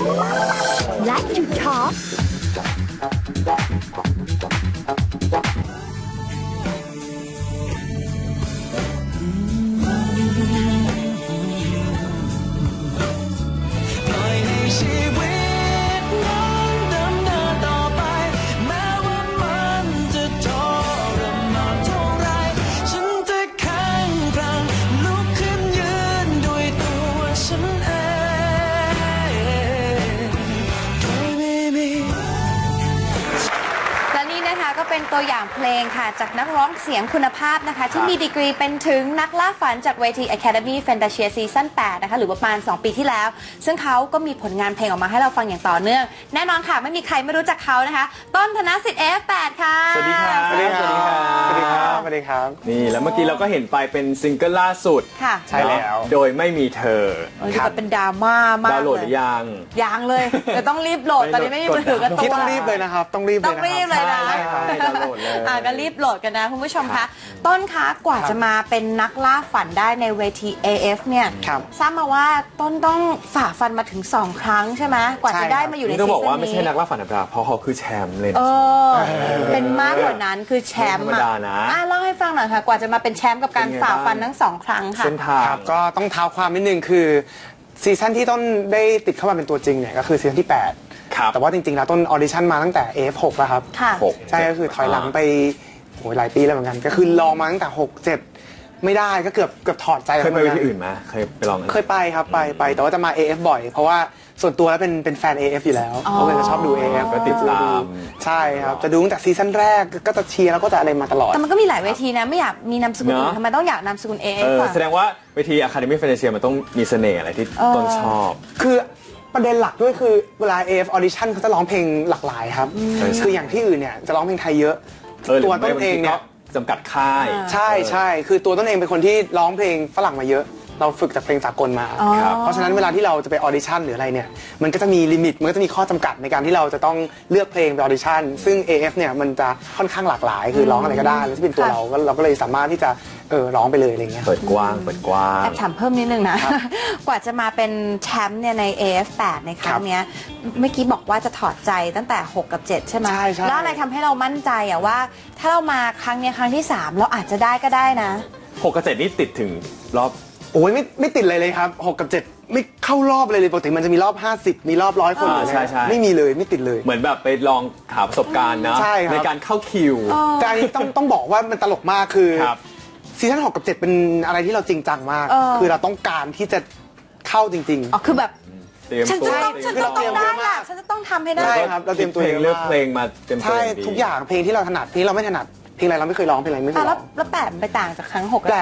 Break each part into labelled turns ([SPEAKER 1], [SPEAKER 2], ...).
[SPEAKER 1] Like to talk
[SPEAKER 2] ก็เป็นตัวอย่างเพลงค่ะจากนักร้องเสียงคุณภาพนะคะที่มีดีกรีเป็นถึงนักล่าฝันจากเวที Academy Fantasia Season 8 นะคะหรือประมาณ2 ปีที่แล้วซึ่งเขาก็มีผลงานเพลงออกมาให้เราฟังอย่างต่อเนื่องแน่นอนค่ะไม่มีใครไม่รู้จักเขานะคะต้นธนสิทธิ์ F8 ค่ะ
[SPEAKER 3] สวัสดีครับสวัสดีครับสวัสดีครับสวัสดีครับนี่แล้วเมื่อกี้เราก็เห็นไปเป็นซิงเกิลล่าสุด
[SPEAKER 2] ค่ะ
[SPEAKER 3] ใช่แล้วโดยไม่มีเธอ
[SPEAKER 2] แบบเป็นดราม่ามาก
[SPEAKER 3] ดาวน์โหลดหรือยัง
[SPEAKER 2] เลยแต่ต้องรีบโหลดตอนนี้ไม่มีมือถือกันตัว
[SPEAKER 4] ต้องรีบเลยนะครับต้องรีบ
[SPEAKER 2] เลยนะ
[SPEAKER 3] ดาวน์โหลดเลย
[SPEAKER 2] ก็รีบโหลดกันนะคุณผู้ชมคะต้นคะกว่าจะมาเป็นนักล่าฝันได้ในเวที AF เนี่ยทราบมาว่าต้นต้องฝ่าฟันมาถึง2 ครั้งใช่ไหมกว่าจะได้มาอยู่ในซีซั่นนี้
[SPEAKER 3] ต้องบอกว่าไม่ใช่นักล่าฝันธรรมดาเพราะเขาคือแชมป์เลย
[SPEAKER 2] เป็นมากกว่านั้นคือแชมป์เล่าให้ฟังหน่อยค่ะกว่าจะมาเป็นแชมป์กับการฝ่าฟันทั้ง2 ครั้งค่ะ
[SPEAKER 3] เส้นทาง
[SPEAKER 4] ก็ต้องเท้าความนิดนึงคือซีซั่นที่ต้นได้ติดเข้ามาเป็นตัวจริงเนี่ยก็คือซีซั่นที่8แต่ว่าจริงๆแล้วต้นออดิชั่นมาตั้งแต่ AF6 แล้วครับใช่ก็คือถอยหลังไปหลายปีแล้วเหมือนกันก็คือลองมาตั้งแต่6-7ไม่ได้ก็เกือบถอดใจ
[SPEAKER 3] เคยไปที่อื่นมาเคยไปลอง
[SPEAKER 4] เคยไปครับไปแต่ว่าจะมา AF บ่อยเพราะว่าส่วนตัวแล้วเป็นแฟน AF อยู่แล้วเพราะว่าจะชอบดู AF
[SPEAKER 3] ก็ติดตาม
[SPEAKER 4] ใช่ครับจะดูตั้งแต่ซีซั่นแรกก็จะเชียร์แล้วก็จะอะไรมาตลอด
[SPEAKER 2] แต่มันก็มีหลายเวทีนะไม่อยากมีนามสกุลทำไมต้องอยากนามสกุล AF
[SPEAKER 3] แสดงว่าเวที Academy Fantasia มันต้องมีเสน่ห์อะไรที่ต้นชอบ
[SPEAKER 4] คือประเด็นหลักด้วยคือเวลา AF Audition เขาจะร้องเพลงหลากหลายครับคืออย่างที่อื่นเนี่ยจะร้องเพลงไทยเยอะตัวต้นเองเนี่ย
[SPEAKER 3] จำกัดค่าย
[SPEAKER 4] ใช่คือตัวต้นเองเป็นคนที่ร้องเพลงฝรั่งมาเยอะเราฝึกจากเพลงสากลมาเพราะฉะนั้นเวลาที่เราจะไปออดิชั่นหรืออะไรเนี่ยมันก็จะมีลิมิตมันก็จะมีข้อจำกัดในการที่เราจะต้องเลือกเพลงไปออดิชั่นซึ่ง AF เนี่ยมันจะค่อนข้างหลากหลายคือร้องอะไรก็ได้แล้วที่เป็นตัวเราก็เลยสามารถที่จะร้องไปเลยอะไรเงี้ย
[SPEAKER 3] เปิดกว้าง
[SPEAKER 2] แอบถามเพิ่มนิดนึงนะกว่าจะมาเป็นแชมป์เนี่ยใน AF8 ในครั้งนี้เมื่อกี้บอกว่าจะถอดใจตั้งแต่6 กับ 7ใช่ไหมแล้วอะไรทำให้เรามั่นใจอะว่าถ้าเรามาครั้งนี้ครั้งที่3เราอาจจะได้ก็ได้นะ
[SPEAKER 3] 6 กับ 7นี่ติดถึงรอบ
[SPEAKER 4] โอ้ยไม่ติดเลยครับ6 กับ 7ไม่เข้ารอบเลยปกติมันจะมีรอบ50มีรอบ100 คนไม่มีเลยไม่ติดเลย
[SPEAKER 3] เหมือนแบบไปลองหาประสบการณ์นะในการเข้าคิว
[SPEAKER 4] แต่อันนี้ต้องบอกว่ามันตลกมากคือซีซั่น6 กับ 7เป็นอะไรที่เราจริงจังมากคือเราต้องการที่จะเข้าจริง
[SPEAKER 2] ๆคือแบบฉันจะต้องได้
[SPEAKER 4] แหละ
[SPEAKER 2] ฉันจะต้องทำให้ได้
[SPEAKER 4] ใช่ครับเราเตรียมตัว
[SPEAKER 3] เลือกเพลงมาเต็มตัว
[SPEAKER 4] ใช่ทุกอย่างเพลงที่เราถนัดเพลงเราไม่ถนัดเพลงอะไรเราไม่เคยร้องเพลงอะไรไม่เคยร้อง
[SPEAKER 2] แล้ว8ไปต่างจากครั้ง6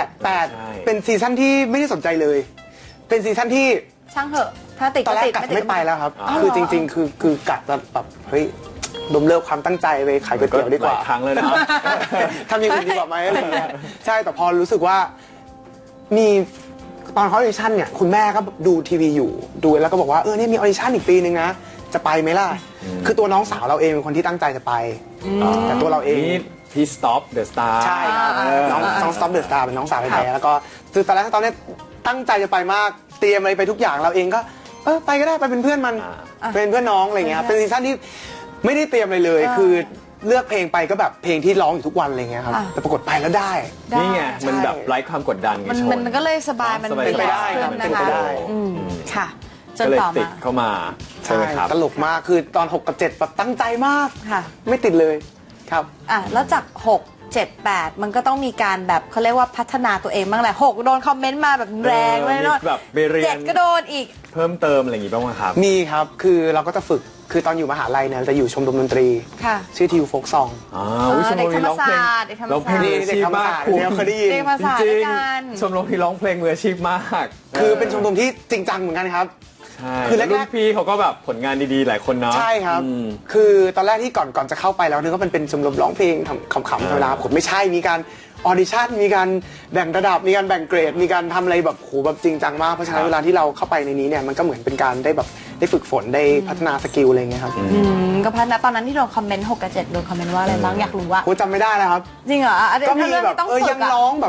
[SPEAKER 4] 8เป็นซีซั่นที่ไม่ได้สนใจเลยเป็นซีซั่นที่
[SPEAKER 2] ช่างเหอะถ้าติด
[SPEAKER 4] ตอนแรกกัดไม่ไปแล้วครับคือจริงๆคือกัดแบบเฮ้ยดมเลิกความตั้งใจไปขายก๋วยเตี๋ยวดีกว่า
[SPEAKER 3] ครั้งเลยนะ
[SPEAKER 4] ทำอย่างอื่นดีกว่าไหมอะไรเงี้ยใช่แต่พอรู้สึกว่ามีตอนเขาออดิชั่นเนี่ยคุณแม่ก็ดูทีวีอยู่ดูแล้วก็บอกว่าเนี่ยมีออดิชั่นอีกปีนึงนะจะไปไหมล่ะคือตัวน้องสาวเราเองเป็นคนที่ตั้งใจจะไปแต่ตัวเราเอง
[SPEAKER 3] พี่ Stop the Star
[SPEAKER 4] ใช่น้อง Stop the Star เป็นน้องสาวแท้ๆแล้วก็คือตอนแรกตอนนี้ตั้งใจจะไปมากเตรียมอะไรไปทุกอย่างเราเองก็ไปก็ได้ไปเป็นเพื่อนมันเป็นเพื่อนน้องอะไรเงี้ยเป็นซีซั่นที่ไม่ได้เตรียมอะไรเลยคือเลือกเพลงไปก็แบบเพลงที่ร้องอยู่ทุกวันอะไรเงี้ยครับแต่ปรากฏไปแล้วได้
[SPEAKER 3] นี่ไงมันแบบไร้ความกดดันไง
[SPEAKER 2] มันก็เลยสบายมัน
[SPEAKER 4] เป็นไปได้ครับเป็นไปได้
[SPEAKER 2] ค่ะ
[SPEAKER 3] จนต่อมาติดเข้ามาใช่ไหมครับ
[SPEAKER 4] ตลกมากคือตอน6 กับ 7แบบตั้งใจมากไม่ติดเลยครับ
[SPEAKER 2] แล้วจาก6 7 8มันก็ต้องมีการแบบเขาเรียกว่าพัฒนาตัวเองบ้างแหละ6โดนคอมเมนต์มาแบบแรงเลยเนาะ
[SPEAKER 3] แบบไปเรียน
[SPEAKER 2] 7ก็โดนอีก
[SPEAKER 3] เพิ่มเติมอะไรอย่างงี้บ้างไหมครับ
[SPEAKER 4] มีครับคือเราก็จะฝึกคือตอนอยู่มหาลัยเนี่ยจะอยู่ชมรมดนตรีชื่อทิวโฟกซอง
[SPEAKER 3] ชมรมที่ร้องเพลงร้องเพลงมืออาชีพมาก
[SPEAKER 4] เคยได้ยิน
[SPEAKER 3] จริงชมรมที่ร้องเพลงมืออาชีพมาก
[SPEAKER 4] คือเป็นชมรมที่จริงจังเหมือนกันครับ
[SPEAKER 3] คือแรกๆพี่เขาก็แบบผลงานดีๆหลายคนเนาะ
[SPEAKER 4] ใช่ครับคือตอนแรกที่ก่อนจะเข้าไปแล้วนึกว่าเป็นชมรมร้องเพลงขำๆธรรมดาผมไม่ใช่มีการออดิชั่นมีการแบ่งระดับมีการแบ่งเกรดมีการทำอะไรแบบโหแบบจริงจังมากเพราะฉะนั้นเวลาที่เราเข้าไปในนี้เนี่ยมันก็เหมือนเป็นการได้แบบได้ฝึกฝนได้พัฒนาสกิลอะไรเงี้ยครับ
[SPEAKER 2] ก็พัฒนาตอนนั้นที่โดนคอมเมนต์6 กับ 7โดนคอมเมนต์ว่าอะไรบ้างอยากรู้ว่า
[SPEAKER 4] โหจำไม่ได้แล้วครับ
[SPEAKER 2] จริงเหรอ
[SPEAKER 4] ก็มีแบบยังร้องแบบ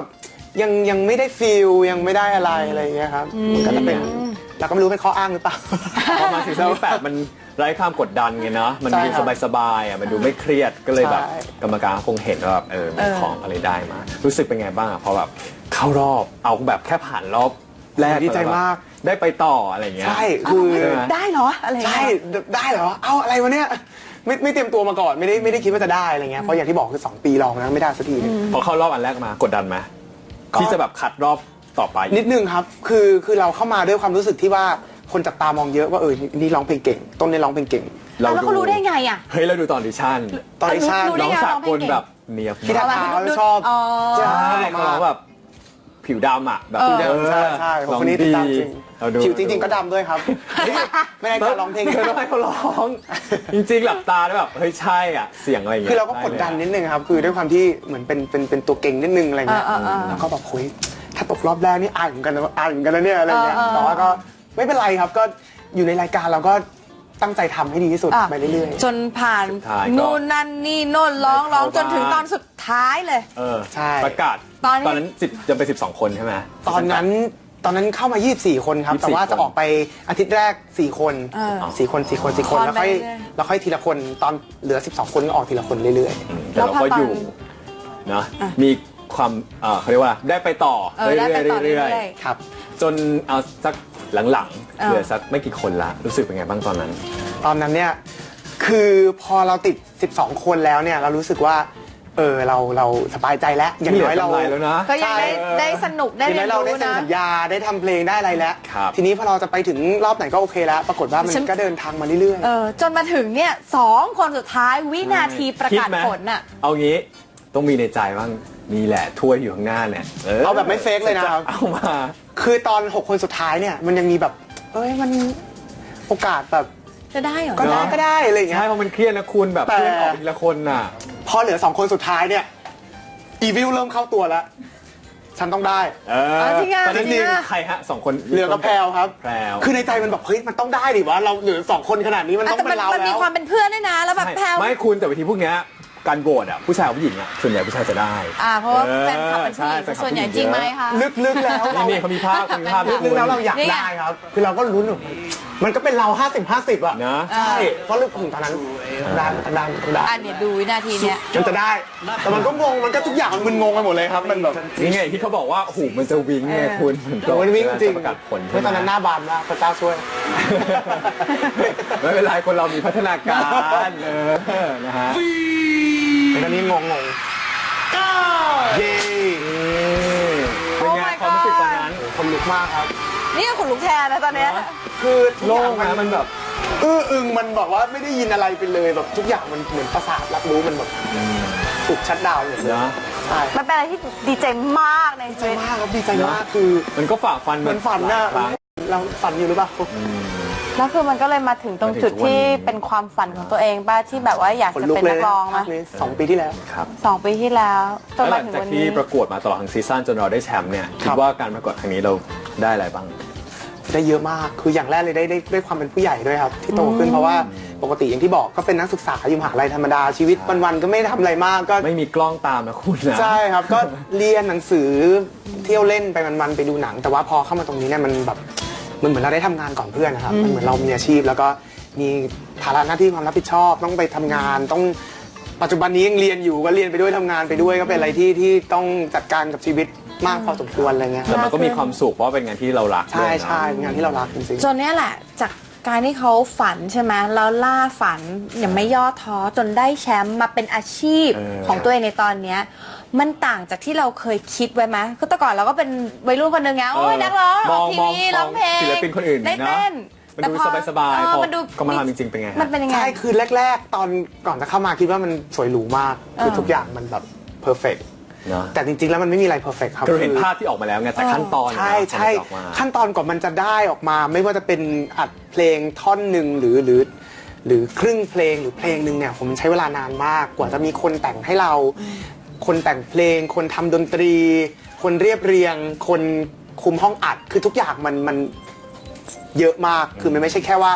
[SPEAKER 4] ยังไม่ได้ฟีลยังไม่ได้อะไรอย่างเงี้ยครับมันก็จะเป็นเราก็ไม่รู้เป็นข้ออ้างหรือเปล่า
[SPEAKER 3] พอมาซีซั่นที่ 8มันไร้ความกดดันไงเนาะมัน
[SPEAKER 4] ใช่
[SPEAKER 3] ดู
[SPEAKER 4] ครับ
[SPEAKER 3] สบายๆอ่ะมันดูไม่เครียดก็เลยแบบ
[SPEAKER 4] ใช่
[SPEAKER 3] กรรมการคงเห็นว่าแบบมีของอะไรได้มา รู้สึกเป็นไงบ้างอะพอแบบเข้ารอบเอาแบบแค่ผ่านรอบแรก
[SPEAKER 4] ดีใจมาก
[SPEAKER 3] ได้ไปต่ออะไรเงี้ย
[SPEAKER 4] ใช่คือ
[SPEAKER 3] ใช่ไหม
[SPEAKER 2] ได้เหรออะไรอย่าง
[SPEAKER 4] ใช่
[SPEAKER 2] เงี้ย
[SPEAKER 4] ได้เหรอเอาอะไรวะเนี่ยไม่เตรียมตัวมาก่อนไม่ได้คิดว่าจะได้อะไรเงี้ยเพราะอย่างที่บอกคือ2 ปีลองนะไม่ได้สักทีนึง
[SPEAKER 3] พอเข้ารอบอันแรกมากดดันไหม
[SPEAKER 4] ก็
[SPEAKER 3] ที่จะแบบคัดรอบต่อไป
[SPEAKER 4] นิดนึงครับคือเราเข้ามาด้วยความรู้สึกที่ว่าคนจับตามองเยอะว่านี่ร้องเพลงเก่งต้นนี่ร้องเพลงเก่ง
[SPEAKER 2] แล้วเขารู้ได้ไงอ่ะ
[SPEAKER 3] เฮ้ยเราดูตอนออดิชั่น
[SPEAKER 4] ตอนดิชั่น
[SPEAKER 2] รู้ได้
[SPEAKER 3] น้อง
[SPEAKER 2] ไง
[SPEAKER 3] สา
[SPEAKER 2] ร้องเพ
[SPEAKER 3] ก
[SPEAKER 2] ล
[SPEAKER 3] ล
[SPEAKER 2] งเก่ง
[SPEAKER 3] แบบเนียบ
[SPEAKER 4] พี่ทัก
[SPEAKER 3] มาก
[SPEAKER 4] ทายชอบ
[SPEAKER 2] อ๋อ
[SPEAKER 3] ใช่
[SPEAKER 4] ออกมา
[SPEAKER 3] เขาแบบผิวดำอ่ะแบบ
[SPEAKER 4] ใช่คนนี้ติดตามจริง
[SPEAKER 3] เราดู
[SPEAKER 4] ผิวจริง ๆ ก็ดำด้วยครับไม่ได้การร้องเพลง
[SPEAKER 3] เธอต้องให้เขาร้อง จริงๆหลับตาแล้วแบบเฮ้ยใช่อ่ะเสียงอะไรอย่าง
[SPEAKER 4] คื
[SPEAKER 3] เงี้
[SPEAKER 4] อย เราก็กดดันนิดนึงครับคือด้วยความที่เหมือนเป็นตัวเก่งนิดนึงอะไรเงี้ย แล้วก็แบบคุยถ้าตกรอบแรกนี่อายเหมือนกันนะเนี่ยอะไรเงี้ยแต่ว่าก็ไม่เป็นไรครับก็อยู่ในรายการเราก็ตั้งใจทำให้ดีที่สุด
[SPEAKER 2] อ่ะ
[SPEAKER 4] ไปเรื่อย
[SPEAKER 2] จนผ่าน
[SPEAKER 3] สุดท้ายก็
[SPEAKER 2] นู่นนั่นนี่โน่นร้อง
[SPEAKER 3] ได้เข้า
[SPEAKER 2] จนถึง
[SPEAKER 3] บ้าน
[SPEAKER 2] ตอนสุดท้ายเลย
[SPEAKER 3] ใช่ประกาศ
[SPEAKER 2] ตอนนี้
[SPEAKER 3] นั้นจะไป12 คนใช่ไหม
[SPEAKER 4] ๆ ตอนนั้นเข้ามา 24 คนครับ
[SPEAKER 3] 24
[SPEAKER 4] แต่ว่าจะออกไปอาทิตย์แรก 4 คน 4 คน
[SPEAKER 2] คอน
[SPEAKER 4] แล้ว
[SPEAKER 2] ไป
[SPEAKER 4] ค่อย
[SPEAKER 2] เรื่อย
[SPEAKER 4] แล้วค่อยทีละคนตอนเหลือ 12 คนก็ออกทีละคนเรื่อย
[SPEAKER 3] แต่เราก็อยู่เนาะมีความเขาเรียกว่าได้ไปต่อ
[SPEAKER 2] ได้ไปต่อ
[SPEAKER 3] เรื่อย
[SPEAKER 2] เรื่อย
[SPEAKER 4] ๆครับ
[SPEAKER 3] ๆจนเอาสักหลังๆเหลือสักไม่กี่คนละรู้สึกเป็นไงบ้างตอนนั้น
[SPEAKER 4] ตอนนั้นเนี่ยคือพอเราติด 12 คนแล้วเนี่ยเรารู้สึกว่าเราสบายใจแล้วอย่างน้อยเรา
[SPEAKER 3] เหลือกำไรแล้วนะ
[SPEAKER 2] ก็ยังได้สนุกได้
[SPEAKER 4] ที
[SPEAKER 2] เรีย
[SPEAKER 4] นี้
[SPEAKER 2] น
[SPEAKER 4] เราได้
[SPEAKER 2] รู้
[SPEAKER 4] เซ็น
[SPEAKER 2] นะ
[SPEAKER 4] สัญญาได้ทำเพลงได้อะไรแล้ว
[SPEAKER 3] ครับ
[SPEAKER 4] ทีนี้พอเราจะไปถึงรอบไหนก็โอเคแล้ว ปรากฏว่ามัน
[SPEAKER 2] ฉัน
[SPEAKER 4] ก็เดินทางมาเรื่อย
[SPEAKER 2] จนมาถึงเนี่ย2 คนสุดท้ายวินาทีประกาศ
[SPEAKER 3] คิดไหม
[SPEAKER 2] ผลน่ะ
[SPEAKER 3] เอางี้ต้องมีในใจบ้างนี่แหละถ้วยอยู่ข้างหน้าเนี่ย
[SPEAKER 4] เอาแบบไม่เฟกเลยนะครับ
[SPEAKER 3] เอามา
[SPEAKER 4] ๆ คือตอน 6 คนสุดท้ายเนี่ยมันยังมีแบบมันโอกาสแบบ
[SPEAKER 2] จะได้เหรอ
[SPEAKER 4] ก็ได้อะไรอย่างเงี้
[SPEAKER 3] ใช่
[SPEAKER 4] ย
[SPEAKER 3] เพราะมันเครียดนะคุณแบบ
[SPEAKER 4] แต่
[SPEAKER 3] เพื่อนออกทีละคนน่ะ
[SPEAKER 4] พอเหลือ 2 คนสุดท้ายเนี่ยอีวิลเริ่มเข้าตัวแล้ว ฉันต้องได้
[SPEAKER 2] จริงอ่ะ
[SPEAKER 3] ตอนนั้น
[SPEAKER 2] จริงอ่ะ
[SPEAKER 3] ใครฮะ2 คน
[SPEAKER 4] เหลือกับแพรวครับ
[SPEAKER 3] แพรว
[SPEAKER 4] คือในใจมันแบบเฮ้ยมันต้องได้ดิวะเราเหลือ2 คนขนาดนี้มันต้อง
[SPEAKER 2] แต่
[SPEAKER 4] เป็นเรา
[SPEAKER 2] มันมี
[SPEAKER 4] แล้ว
[SPEAKER 2] ความเป็นเพื่อนด้วยนะ แล้วแบบแพลว
[SPEAKER 3] ไม่คุณแต่วิธีพวกเนี้ยการโหวตอ่ะผู้ชายกับผู้หญิงอ่ะส่วนใหญ่ผู้ชายจะได้
[SPEAKER 2] เพราะว่าแฟนคลับเป็นผู้หญิง
[SPEAKER 3] ใช่
[SPEAKER 2] ส่วนใหญ่จริงไหมคะ
[SPEAKER 4] ลึกๆแล้วเรา
[SPEAKER 3] นี่เขามีภาพมีภาพ
[SPEAKER 4] ลึกๆแล้วเราอยาก
[SPEAKER 2] นี่ไง
[SPEAKER 4] ได้ครับ คือเราก็ลุ้นอยู่มันก็เป็นเรา 50-50 อ่ะ
[SPEAKER 3] นะ
[SPEAKER 4] ใช่เพราะลึกถึงตอนนั้นได้
[SPEAKER 2] เนี่ยดูวินาทีเนี้ย
[SPEAKER 4] มันจะได้ แต่มันก็งงมันก็ทุกอย่างมันมึนงงไปหมดเลยครับมันแบบ
[SPEAKER 3] นี่ไงที่เขาบอกว่าโอ้โหมันจะวิ้งไงคุณเหมือนกับ
[SPEAKER 4] มันวิ่งจริง
[SPEAKER 3] ประกาศผล
[SPEAKER 4] เมื่อตอนนั้นหน้าบานมากพระเจ้าช่วย
[SPEAKER 3] ไม่เป็นไรคนเรามีพัฒนาการนะฮะ
[SPEAKER 4] ตอนนี้งงเย้
[SPEAKER 3] เป็นไง
[SPEAKER 2] Oh my
[SPEAKER 3] ความรู้สึกตอนนั้น
[SPEAKER 4] คนลุกมากครับ
[SPEAKER 2] นี่ก็ขนลุกแทนนะตอนเนี้ย
[SPEAKER 4] คือทุก
[SPEAKER 3] โล่
[SPEAKER 4] อย่าง
[SPEAKER 3] งนะมันแบบ
[SPEAKER 4] อึ้งมันแบบว่าไม่ได้ยินอะไรไปเลยแบบทุกอย่างมันเหมือนประสาทรับรู้มันแบบถูกชัดดาวน์หมดเลย
[SPEAKER 3] นะ
[SPEAKER 4] ใช่
[SPEAKER 2] มันเป็นอะไรที่ดีใจมากในชีวิต
[SPEAKER 4] มากครับดีใจมากคือ
[SPEAKER 3] มันก็ฝ่าฟัน
[SPEAKER 4] เหมือนฝันน่ะ
[SPEAKER 3] หลายครั้ง
[SPEAKER 4] เราฝันอยู่หรือเปล่า
[SPEAKER 2] แล้วคือมันก็เลยมาถึงตรงจุดที่เป็นความฝันของตัวเองบ้าที่แบบว่าอยาก
[SPEAKER 4] ขน
[SPEAKER 2] จะ
[SPEAKER 4] ลุก
[SPEAKER 2] เป็น
[SPEAKER 4] เล
[SPEAKER 2] นั
[SPEAKER 4] ย
[SPEAKER 2] กร้องไหม
[SPEAKER 4] ภาคนี้2 ปีที่แล้ว
[SPEAKER 3] ครับ
[SPEAKER 2] 2 ปีที่แล้วจน
[SPEAKER 3] แล้วห
[SPEAKER 2] มา
[SPEAKER 3] ลัง
[SPEAKER 2] ถึง
[SPEAKER 3] จาก
[SPEAKER 2] วัน
[SPEAKER 3] ที่
[SPEAKER 2] นี้
[SPEAKER 3] ประกวดมาตลอดทั้งซีซั่นจนเราได้แชมป์เนี่ยคิดว่าการประกวดครั้งนี้เราได้อะไรบ้าง
[SPEAKER 4] ได้เยอะมากคืออย่างแรกเลยได้ความเป็นผู้ใหญ่ด้วยครับที่โตขึ้นเพราะว่าปกติอย่างที่บอกก็เป็นนักศึกษาอยู่มหาลัยธรรมดาชีวิตวันๆก็ไม่ได้ทำอะไรมากก็
[SPEAKER 3] ไม่มีกล้องตามนะคุณนะ
[SPEAKER 4] ใช่ครับก็เรียนหนังสือเที่ยวเล่นไปมันๆไปดูหนัง แต่ว่าพอเข้ามาตรงนี้เนี่ยมันแบบมันเหมือนเราได้ทำงานก่อนเพื่อนนะครับมันเหมือนเรามีอาชีพ แล้วก็มีภาระหน้าที่ความรับผิดชอบ ต้องไปทำงานต้องปัจจุบันนี้ยังเรียนอยู่ก็เรียนไปด้วยทำงานไปด้วยก็เป็นอะไรที่ต้องจัดการกับชีวิตมากพอสมควรอะไรเงี้ย
[SPEAKER 3] แต่มันก็มีความสุขเพราะเป็นงานที่เรารักด้
[SPEAKER 4] ใช่
[SPEAKER 3] วยนะ
[SPEAKER 4] ใช่เป็นงานที่เรารักจริง
[SPEAKER 2] จนเนี้ยแหละจากการที่เขาฝันใช่ไหมแล้วล่าฝันยังไม่ย่อท้อจนได้แชมป์มาเป็นอาชีพของตัวเองในตอนเนี้ยมันต่างจากที่เราเคยคิดไว้ไหมคือแต่ก่อนเราก็เป็นวัยรุ่นคนหนึ่งไงโอ้ยนักร้องออกทีวีร้องเพลง
[SPEAKER 3] ศิลปินคนอื่น
[SPEAKER 2] ได้
[SPEAKER 3] นะ
[SPEAKER 2] เต้น
[SPEAKER 3] มันดูสบายๆพอ
[SPEAKER 2] มันดู
[SPEAKER 3] ก็มาทำจริงๆเป็นไงฮะ
[SPEAKER 2] มันเป็นยัง
[SPEAKER 4] ๆ
[SPEAKER 2] ไง
[SPEAKER 4] ใช่คือแรกๆ ตอนก่อนจะเข้ามาคิดว่ามันสวยหรูมากคือทุกอย่างมันแบบเพอร์เฟก
[SPEAKER 3] เนอะ
[SPEAKER 4] แต่จริงๆแล้วมันไม่มีอะไรเพอร์เฟกครับ
[SPEAKER 3] คือเราเห็นภาพที่ออกมาแล้วไงแต่ขั้นตอน
[SPEAKER 4] ใช่ใช่
[SPEAKER 3] กว่ามันจะออกมา
[SPEAKER 4] ขั้นตอนกว่ามันจะได้ออกมา ไม่ว่าจะเป็นอัดเพลงท่อนหนึ่งหรือครึ่งเพลงหรือเพลงหนึ่งเนี่ยผมใช้เวลานานมากกว่าจะมีคนแต่งให้เรา คนแต่งเพลง คนทำดนตรี คนเรียบเรียง คนคุมห้องอัดคือทุกอย่างมันเยอะมากคือมันไม่ใช่แค่ว่า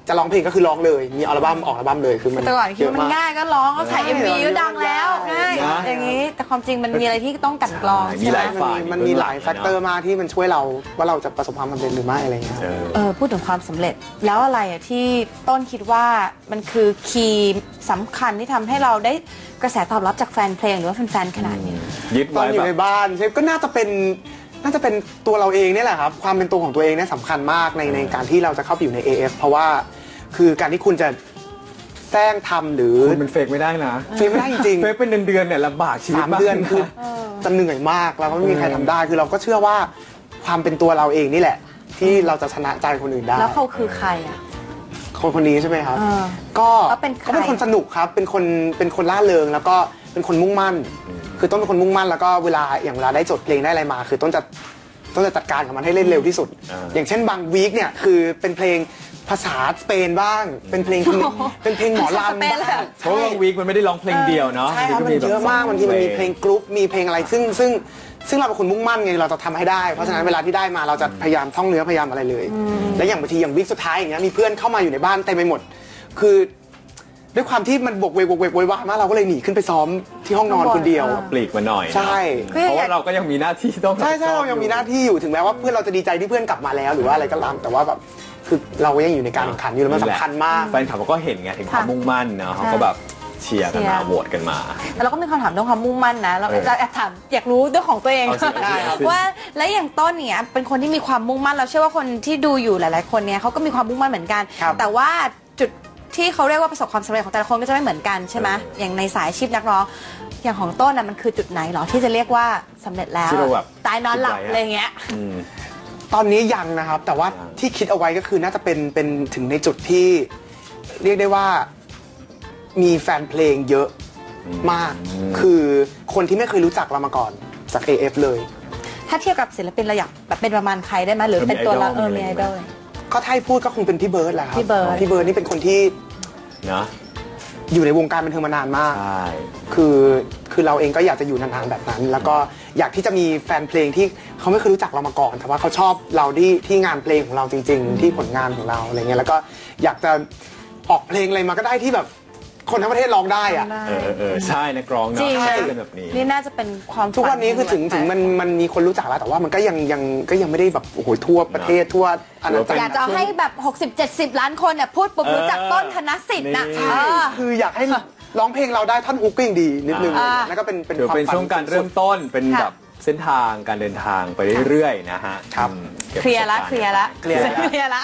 [SPEAKER 4] จะร้องเพลงก็คือร้องเลยมีอัลบั้มออกอัลบั้มเลยคือมัน
[SPEAKER 2] แต่ก่อนคิดว่ามันง่ายก็ร้องก็ถ่าย MV ก็ดังแล้ว
[SPEAKER 4] ง่าย
[SPEAKER 2] ง่ายอย่างนี้แต่ความจริงมันมีอะไรที่ต้องกลั่นกรอง
[SPEAKER 3] มี
[SPEAKER 2] ใช่ไห
[SPEAKER 3] หลาย
[SPEAKER 2] ม
[SPEAKER 3] ฝ่าย
[SPEAKER 4] มันมีหลายแฟกเตอร์มากที่มันช่วยเราว่าเราจะประสบความสำเร็จหรือไม่อะไรเงี้ย
[SPEAKER 2] พูดถึงความสำเร็จแล้วอะไรอะที่ต้นคิดว่ามันคือคีย์สำคัญที่ทำให้เราได้กระแสตอบรับจากแฟนเพลงหรือว่าแฟนๆขนาดนี้
[SPEAKER 3] ยึด
[SPEAKER 4] ตอน
[SPEAKER 3] ไว้
[SPEAKER 4] อยู่
[SPEAKER 3] แบ
[SPEAKER 4] ใน
[SPEAKER 3] บ
[SPEAKER 4] บ้านใช่ก็น่าจะเป็นตัวเราเองเนี่ยแหละครับความเป็นตัวของตัวเองเนี่ยสำคัญมากในการที่เราจะเข้าไปอยู่ใน AF เพราะว่าคือการที่คุณจะแซงทำหรือ
[SPEAKER 3] คุณเป็นเฟกไม่ได้นะ
[SPEAKER 4] เฟกไม่ได้จริง
[SPEAKER 3] เฟกเป็นเดือนๆเนี่ยลำบากชีวิต
[SPEAKER 4] 3 เดือนคือจะเหนื่อยมากแล้วก็ไม่มีใครทำได้คือเราก็เชื่อว่าความเป็นตัวเราเองนี่แหละ ที่เราจะชนะใจคนอื่นได้
[SPEAKER 2] แล้วเขาคือใครอะ
[SPEAKER 4] คนนี้ใช่ไหมครับ ก็
[SPEAKER 2] แล้วเป็นใคร
[SPEAKER 4] ก็เป็นคนสนุกครับเป็นคนล่าเริงแล้วก็เป็นคนมุ่งมั่น คือต้นเป็นคนมุ่งมั่นแล้วก็เวลาได้จดเพลงได้อะไรมา คือต้นจะจัดการกับมันให้เล่นเร็วที่สุด อย่างเช่นบางวีคเนี่ยคือเป็นเพลงภาษาสเปนบ้าง เป็นเพลงหมอลำบ้าง
[SPEAKER 3] เพราะว่าวีคมันไม่ได้ร้องเพลงเดียวเนาะ
[SPEAKER 4] ใช่ครับมันเยอะมากบางทีมันมีเพลงกรุ๊ปมีเพลงอะไรซึ่งเราเป็นคนมุ่งมั่นไงเราจะทำให้ได้เพราะฉะนั้นเวลาที่ได้มาเราจะพยายามท่องเนื้อพยายามอะไรเลย และอย่างบางทีอย่างวีคสุดท้ายอย่างเงี้ยมีเพื่อนเข้ามาอยู่ในบ้านเต็มไปหมด คือด้วยความที่มันบวกเวกโวยวายมากเราก็เลยหนีขึ้นไปซ้อมที่ห้องนอนคนเดียว
[SPEAKER 3] ปลีกมาหน่อยเนอะ
[SPEAKER 4] ใช่
[SPEAKER 3] เพราะว่าเราก็ยังมีหน้าที่ต้อง
[SPEAKER 4] ใช่เรายังมีหน้าที่อยู่ถึงแม้ว่าเพื่อนเราจะดีใจที่เพื่อนกลับมาแล้วหรือว่าอะไรก็ตามแต่ว่าแบบคือเราก็ยังอยู่ในการแข่งขันอยู่แล้วมันสำคัญมาก
[SPEAKER 3] แฟนคลับเขาก็เห็นไงถึงความมุ่งมั่นเนาะเขาก็แบบเชียร์กันมาโหวตกันมา
[SPEAKER 2] แต่เราก็มีคำถามเรื่องความมุ่งมั่นนะเราแอบถามอยากรู้เรื่องของตัวเอง
[SPEAKER 3] เอาสิได้ครับ
[SPEAKER 2] ว่าและอย่างต้นเนี่ยเป็นคนที่มีความมุ่งมั่นเราเชื่อว่าคนที่ดูอยู่หลายๆคนเนี่ยเขาก็มีความมุ่งมั่นเหมือนกัน
[SPEAKER 4] ครับ
[SPEAKER 2] แต่ว่าจุดที่เขาเรียกว่าประสบความสำเร็จของแต่ละคนก็จะไม่เหมือนกันใช่ไหมอย่างในสายอาชีพนักร้องอย่างของต้นน่ะมันคือจุดไหนหรอที่จะเรียกว่าสำเร็จแล้ว
[SPEAKER 3] ที่เราแบบ
[SPEAKER 2] ตายนอนหลับ
[SPEAKER 3] คิดไว้อะ
[SPEAKER 2] อะไรเงี้ย
[SPEAKER 4] ตอนนี้ยังนะครับ แต่ว่าที่คิดเอาไว้ก็คือน่าจะเป็นถึงในจุดที่เรียกได้ว่ามีแฟนเพลงเยอะมาก คือคนที่ไม่เคยรู้จักเรามาก่อนจาก AF เลย
[SPEAKER 2] ถ้าเทียบกับศิลปินเราอยากแบบเป็นประมาณใครได้ไหมหรือเป็นตัวเรามีไอดอล
[SPEAKER 4] ก็ถ้าให้พูดก็คงเป็นพี่เบิร์ดแหละครับ
[SPEAKER 2] พี่เบิร์ด
[SPEAKER 4] พี่เบิร์ดนี่เป็นคนที่
[SPEAKER 3] เนาะ
[SPEAKER 4] อยู่ในวงการบันเทิงมานานมาก
[SPEAKER 3] ใช่
[SPEAKER 4] คือเราเองก็อยากจะอยู่นานๆแบบนั้น แล้วก็อยากที่จะมีแฟนเพลงที่เขาไม่เคยรู้จักเรามาก่อน แต่ว่าเขาชอบเราที่งานเพลงของเราจริง ๆ ที่ผลงานของเราอะไรเงี้ยแล้วก็อยากจะออกเพลงอะไรมาก็ได้ที่แบบคนทั้งประเทศร้องได้อะ
[SPEAKER 3] ใช่นักร้อง
[SPEAKER 2] จริ
[SPEAKER 3] เนาะ
[SPEAKER 2] ง
[SPEAKER 3] ใช่เป็นแบบนี้
[SPEAKER 2] นี่น่าจะเป็นความ
[SPEAKER 4] ทุกวันนี้คือถึงมันมีคนรู้จักแล้วแต่ว่ามันก็ยังไม่ได้แบบโอ้โหทั่วประเทศทั่วอาณาจักร
[SPEAKER 2] อยากจะให้แบบ 60-70 ล้านคนเนี่ยพูดปุ๊บรู้จักต้นธนสิทธิ์นะ
[SPEAKER 3] นี่
[SPEAKER 4] คืออยากให้ร้องเพลงเราได้ท่อนฮุกก็ยังดีนิดนึงแล้วก็เป็น
[SPEAKER 3] ถือ
[SPEAKER 4] ความ
[SPEAKER 3] เป็น
[SPEAKER 4] ฝัน
[SPEAKER 3] ช่วงการเริ่มต้นเป็น
[SPEAKER 2] ค่ะ
[SPEAKER 3] แบบเส้นทางการเดินทางไปเรื่อยๆนะฮะ
[SPEAKER 4] ครับ
[SPEAKER 3] ก็บ
[SPEAKER 2] เคลียร์ละ
[SPEAKER 3] ประสบ
[SPEAKER 2] เคลียร์ละ
[SPEAKER 4] เคลียร์ละ
[SPEAKER 2] เคลียร์ละ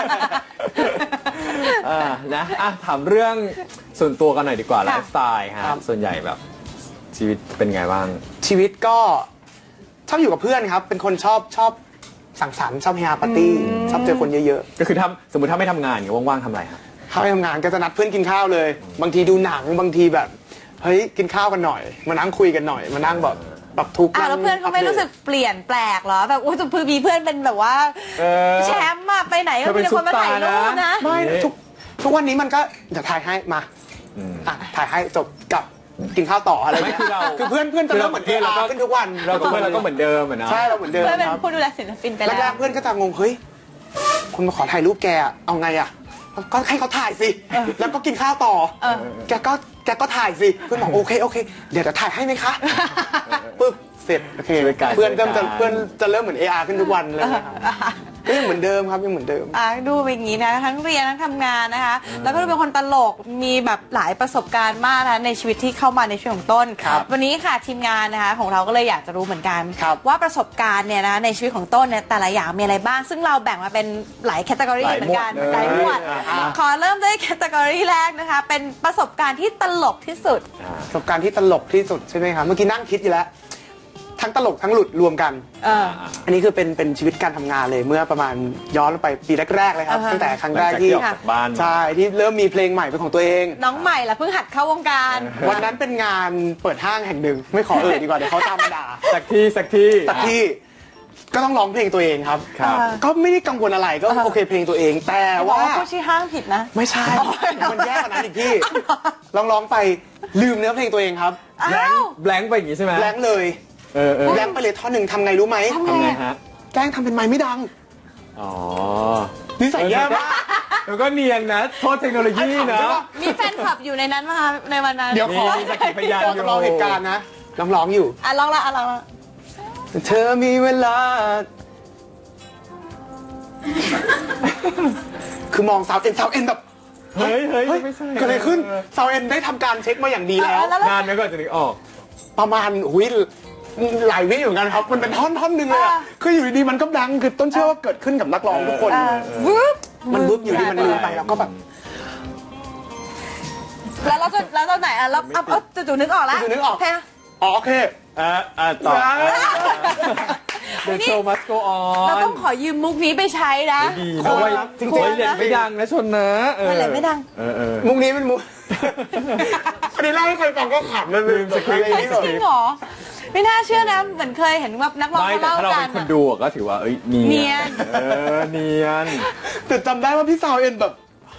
[SPEAKER 3] นะถามเรื่องส่วนตัวกันหน่อยดีกว่าไล
[SPEAKER 2] ค่ะ
[SPEAKER 3] ฟ์สไตล์ฮะ
[SPEAKER 4] ครับ
[SPEAKER 3] ส่วนใหญ่แบบชีวิตเป็นไงบ้าง
[SPEAKER 4] ชีวิตก็ชอบอยู่กับเพื่อนครับ เป็นคนชอบสังสรรค์ชอบเฮฮาปาร์ตี้ชอบเจอคนเยอะ
[SPEAKER 3] ก็คือสมมติถ้าไม่ทำงานอย่างเงี้ยว่างๆทำอะไรครับ
[SPEAKER 4] ๆเข้าไปทำงานก็จะนัดเพื่อนกินข้าวเลย บางทีดูหนังบางทีแบบเฮ้ยกินข้าวกันหน่อย มานั่งคุยกันหน่อยมานั่งแบบปรับทุกข์
[SPEAKER 2] แล้วเพื่อนเขาไม่รู้สึกเปลี่ยนแปลกเหรอแบบอุ้ยจะมีเพื่อนเป็นแบบว่า
[SPEAKER 3] เออ
[SPEAKER 2] แชมป์อะไปไหนก็มีแต่คนมาถ่ายรูปนะ
[SPEAKER 4] ไม่ทุกวันนี้มันก็เดี๋ยวถ่ายให้มาถ่ายให้จบกับกินข้าวต่ออะไร
[SPEAKER 3] ไม่
[SPEAKER 4] เงี้ย
[SPEAKER 3] คือเรา
[SPEAKER 4] คือเพื่อนจะเริ่มเหมือนเพื่อนเราขึ้นทุกวัน
[SPEAKER 3] เราก็เหมือนเดิมอะเนาะ
[SPEAKER 4] ใช่เราเหมือนเดิม
[SPEAKER 2] เพื่อนเป็น
[SPEAKER 4] ครับ
[SPEAKER 2] ผู้ดูแลศิลปินไป
[SPEAKER 4] แร
[SPEAKER 2] แล้ว
[SPEAKER 4] กๆเพื่อนก็จะงงเฮ้ยคุณมาขอถ่ายรูปแกอะเอาไงอะก็ให้เขาถ่ายสิแล้วก็กินข้าวต่อแกก็ถ่ายสิเพื่อนบอกโอเคเดี๋ยวจะถ่ายให้ไหมคะปึ๊บเสร็จโอเค
[SPEAKER 3] ช่วยกัน
[SPEAKER 4] เพื่อนเริ่ม
[SPEAKER 3] ช่วยกัน
[SPEAKER 4] เพื่อนจะเริ่มเหมือน AR ขึ้นทุกวันเลยนะครับก็ยังเหมือนเดิมครับยังเหมือนเดิม
[SPEAKER 2] ดูเป็นอย่างนี้นะทั้งเรียนทั้งทำงานนะคะ แล้วก็ดูเป็นคนตลกมีแบบหลายประสบการณ์มากนะในชีวิตที่เข้ามาในชีวิตของต้น
[SPEAKER 4] ครับ
[SPEAKER 2] วันนี้ค่ะทีมงานนะคะของเราก็เลยอยากจะรู้เหมือนกัน
[SPEAKER 4] ครับ
[SPEAKER 2] ว่าประสบการณ์เนี่ยนะในชีวิตของต้นเนี่ยแต่ละอย่างมีอะไรบ้าง ซึ่งเราแบ่งมาเป็นหลายแคตตากรีเหมือนกันหลายหมวดขอเริ่มด้วยแคตตากรีแรกนะคะเป็นประสบการณ์ที่ตลกที่สุด
[SPEAKER 4] ประสบการณ์ที่ตลกที่สุดใช่ไหมครับเมื่อกี้นั่งคิดอยู่แล้วทั้งตลกทั้งหลุดรวมกัน อันนี้คือเป็นชีวิตการทำงานเลยเมื่อประมาณย้อนไปปีแรกๆเลยครับ ตั้งแต่ครั้งแรกที่
[SPEAKER 3] หลังจากที่ออกจากบ้าน
[SPEAKER 4] ใช่ที่เริ่มมีเพลงใหม่เป็นของตัวเอง
[SPEAKER 2] น้องใหม่ล่ะเพิ่งหัดเข้าวงการ
[SPEAKER 4] วันนั้นเป็นงานเปิดห้างแห่งหนึ่งไม่ขอดีกว่าเดี๋ยวเขาตามมาด่า
[SPEAKER 3] สักที่
[SPEAKER 4] แต่ที่ก็ต้องร้องเพลงตัวเองครับ
[SPEAKER 3] ครับ
[SPEAKER 4] ก็ไม่ได้กังวลอะไรก็โอเคเพลงตัวเอง แต่
[SPEAKER 2] บอก
[SPEAKER 4] ว่า
[SPEAKER 2] ว่าผู้ชี้ห้างผิดนะ
[SPEAKER 4] ไม่ใช่มันแย่กว่านั้นอีกพี่ร้องไปลืมเนื้อเพลงตัวเองครับ
[SPEAKER 2] อ้าว
[SPEAKER 3] แบงค์ไปอย่างงี้ใช่ไหม
[SPEAKER 4] แบงค์เลย แบงค์ไปเลยท่อนหนึ่งทำไงรู้ไหม
[SPEAKER 3] ทำไงฮะ
[SPEAKER 4] แกล้งทำเป็นไมค์ไม่ดัง
[SPEAKER 3] อ๋อ
[SPEAKER 4] นิสัยแย่มาก
[SPEAKER 3] แล้วก็เนียนนะโทษเทคโนโลยีนะ
[SPEAKER 2] มีแฟนคลับอยู่ในนั้นไหมคะในวันนั้น
[SPEAKER 4] เดี๋ยวขอ
[SPEAKER 3] มีสักขีพยาน
[SPEAKER 4] ขอจำลองเหตุการณ์นะร้องอยู่
[SPEAKER 2] ลองละลองละ
[SPEAKER 4] เธอมีเวลา คือมองสาวเอ็นแบบ
[SPEAKER 3] เฮ้ย
[SPEAKER 4] เฮ้ย
[SPEAKER 3] ไม่ใช่
[SPEAKER 4] เกิดอะไรขึ้นสาวเอ็นได้ทำการเช็คมาอย่างดีแล้ว
[SPEAKER 3] นานไหมก่อนจะนึกออก
[SPEAKER 4] ประมาณหลายวิเหมือนกันครับ มันเป็นท่อนหนึ่งเลยอะคืออยู่ดีๆมันก็ดังคือต้นเชื่อว่าเกิดขึ้นกับนักร้องทุกคน
[SPEAKER 2] วึบ
[SPEAKER 4] มันบึ๊บอยู่ดีมันลืมไปแล้วก็แบบ
[SPEAKER 2] แล้วตอนไหนอ่ะแล้วเอาจู่ๆนึกออกแล้ว
[SPEAKER 4] จู่ๆนึกออก
[SPEAKER 2] เพลง
[SPEAKER 4] อ๋อโอเค
[SPEAKER 3] ต่อ The show must go
[SPEAKER 2] เรา
[SPEAKER 3] on
[SPEAKER 2] ต้องขอยืมมุกนี้ไปใช้นะ
[SPEAKER 3] ดีนะเว้ย
[SPEAKER 4] จริงๆ
[SPEAKER 3] โอ้ยเด็ดไม่ดังนะชนนะเออ
[SPEAKER 2] ไม่เลยไม่ดัง
[SPEAKER 4] มุกนี้เป็นมุก อันนี้เล่าให้ใครฟังก็ขำมันลืมสคริปต์
[SPEAKER 2] จริงเหรอไม่น่าเชื่อนะเหมือนเคยเห็นว่านักร้อง
[SPEAKER 3] ไม่
[SPEAKER 2] เขา
[SPEAKER 3] แต่
[SPEAKER 2] เล่า
[SPEAKER 3] ถ้าเรา
[SPEAKER 2] กั
[SPEAKER 3] เป็น นคนดูอะก็ถือว่าเอ้ยเนี
[SPEAKER 2] เนี
[SPEAKER 3] ย
[SPEAKER 2] ย
[SPEAKER 3] น
[SPEAKER 2] น
[SPEAKER 3] เนียน
[SPEAKER 4] แต่จำได้ว่าพี่สาวเอ็นแบบ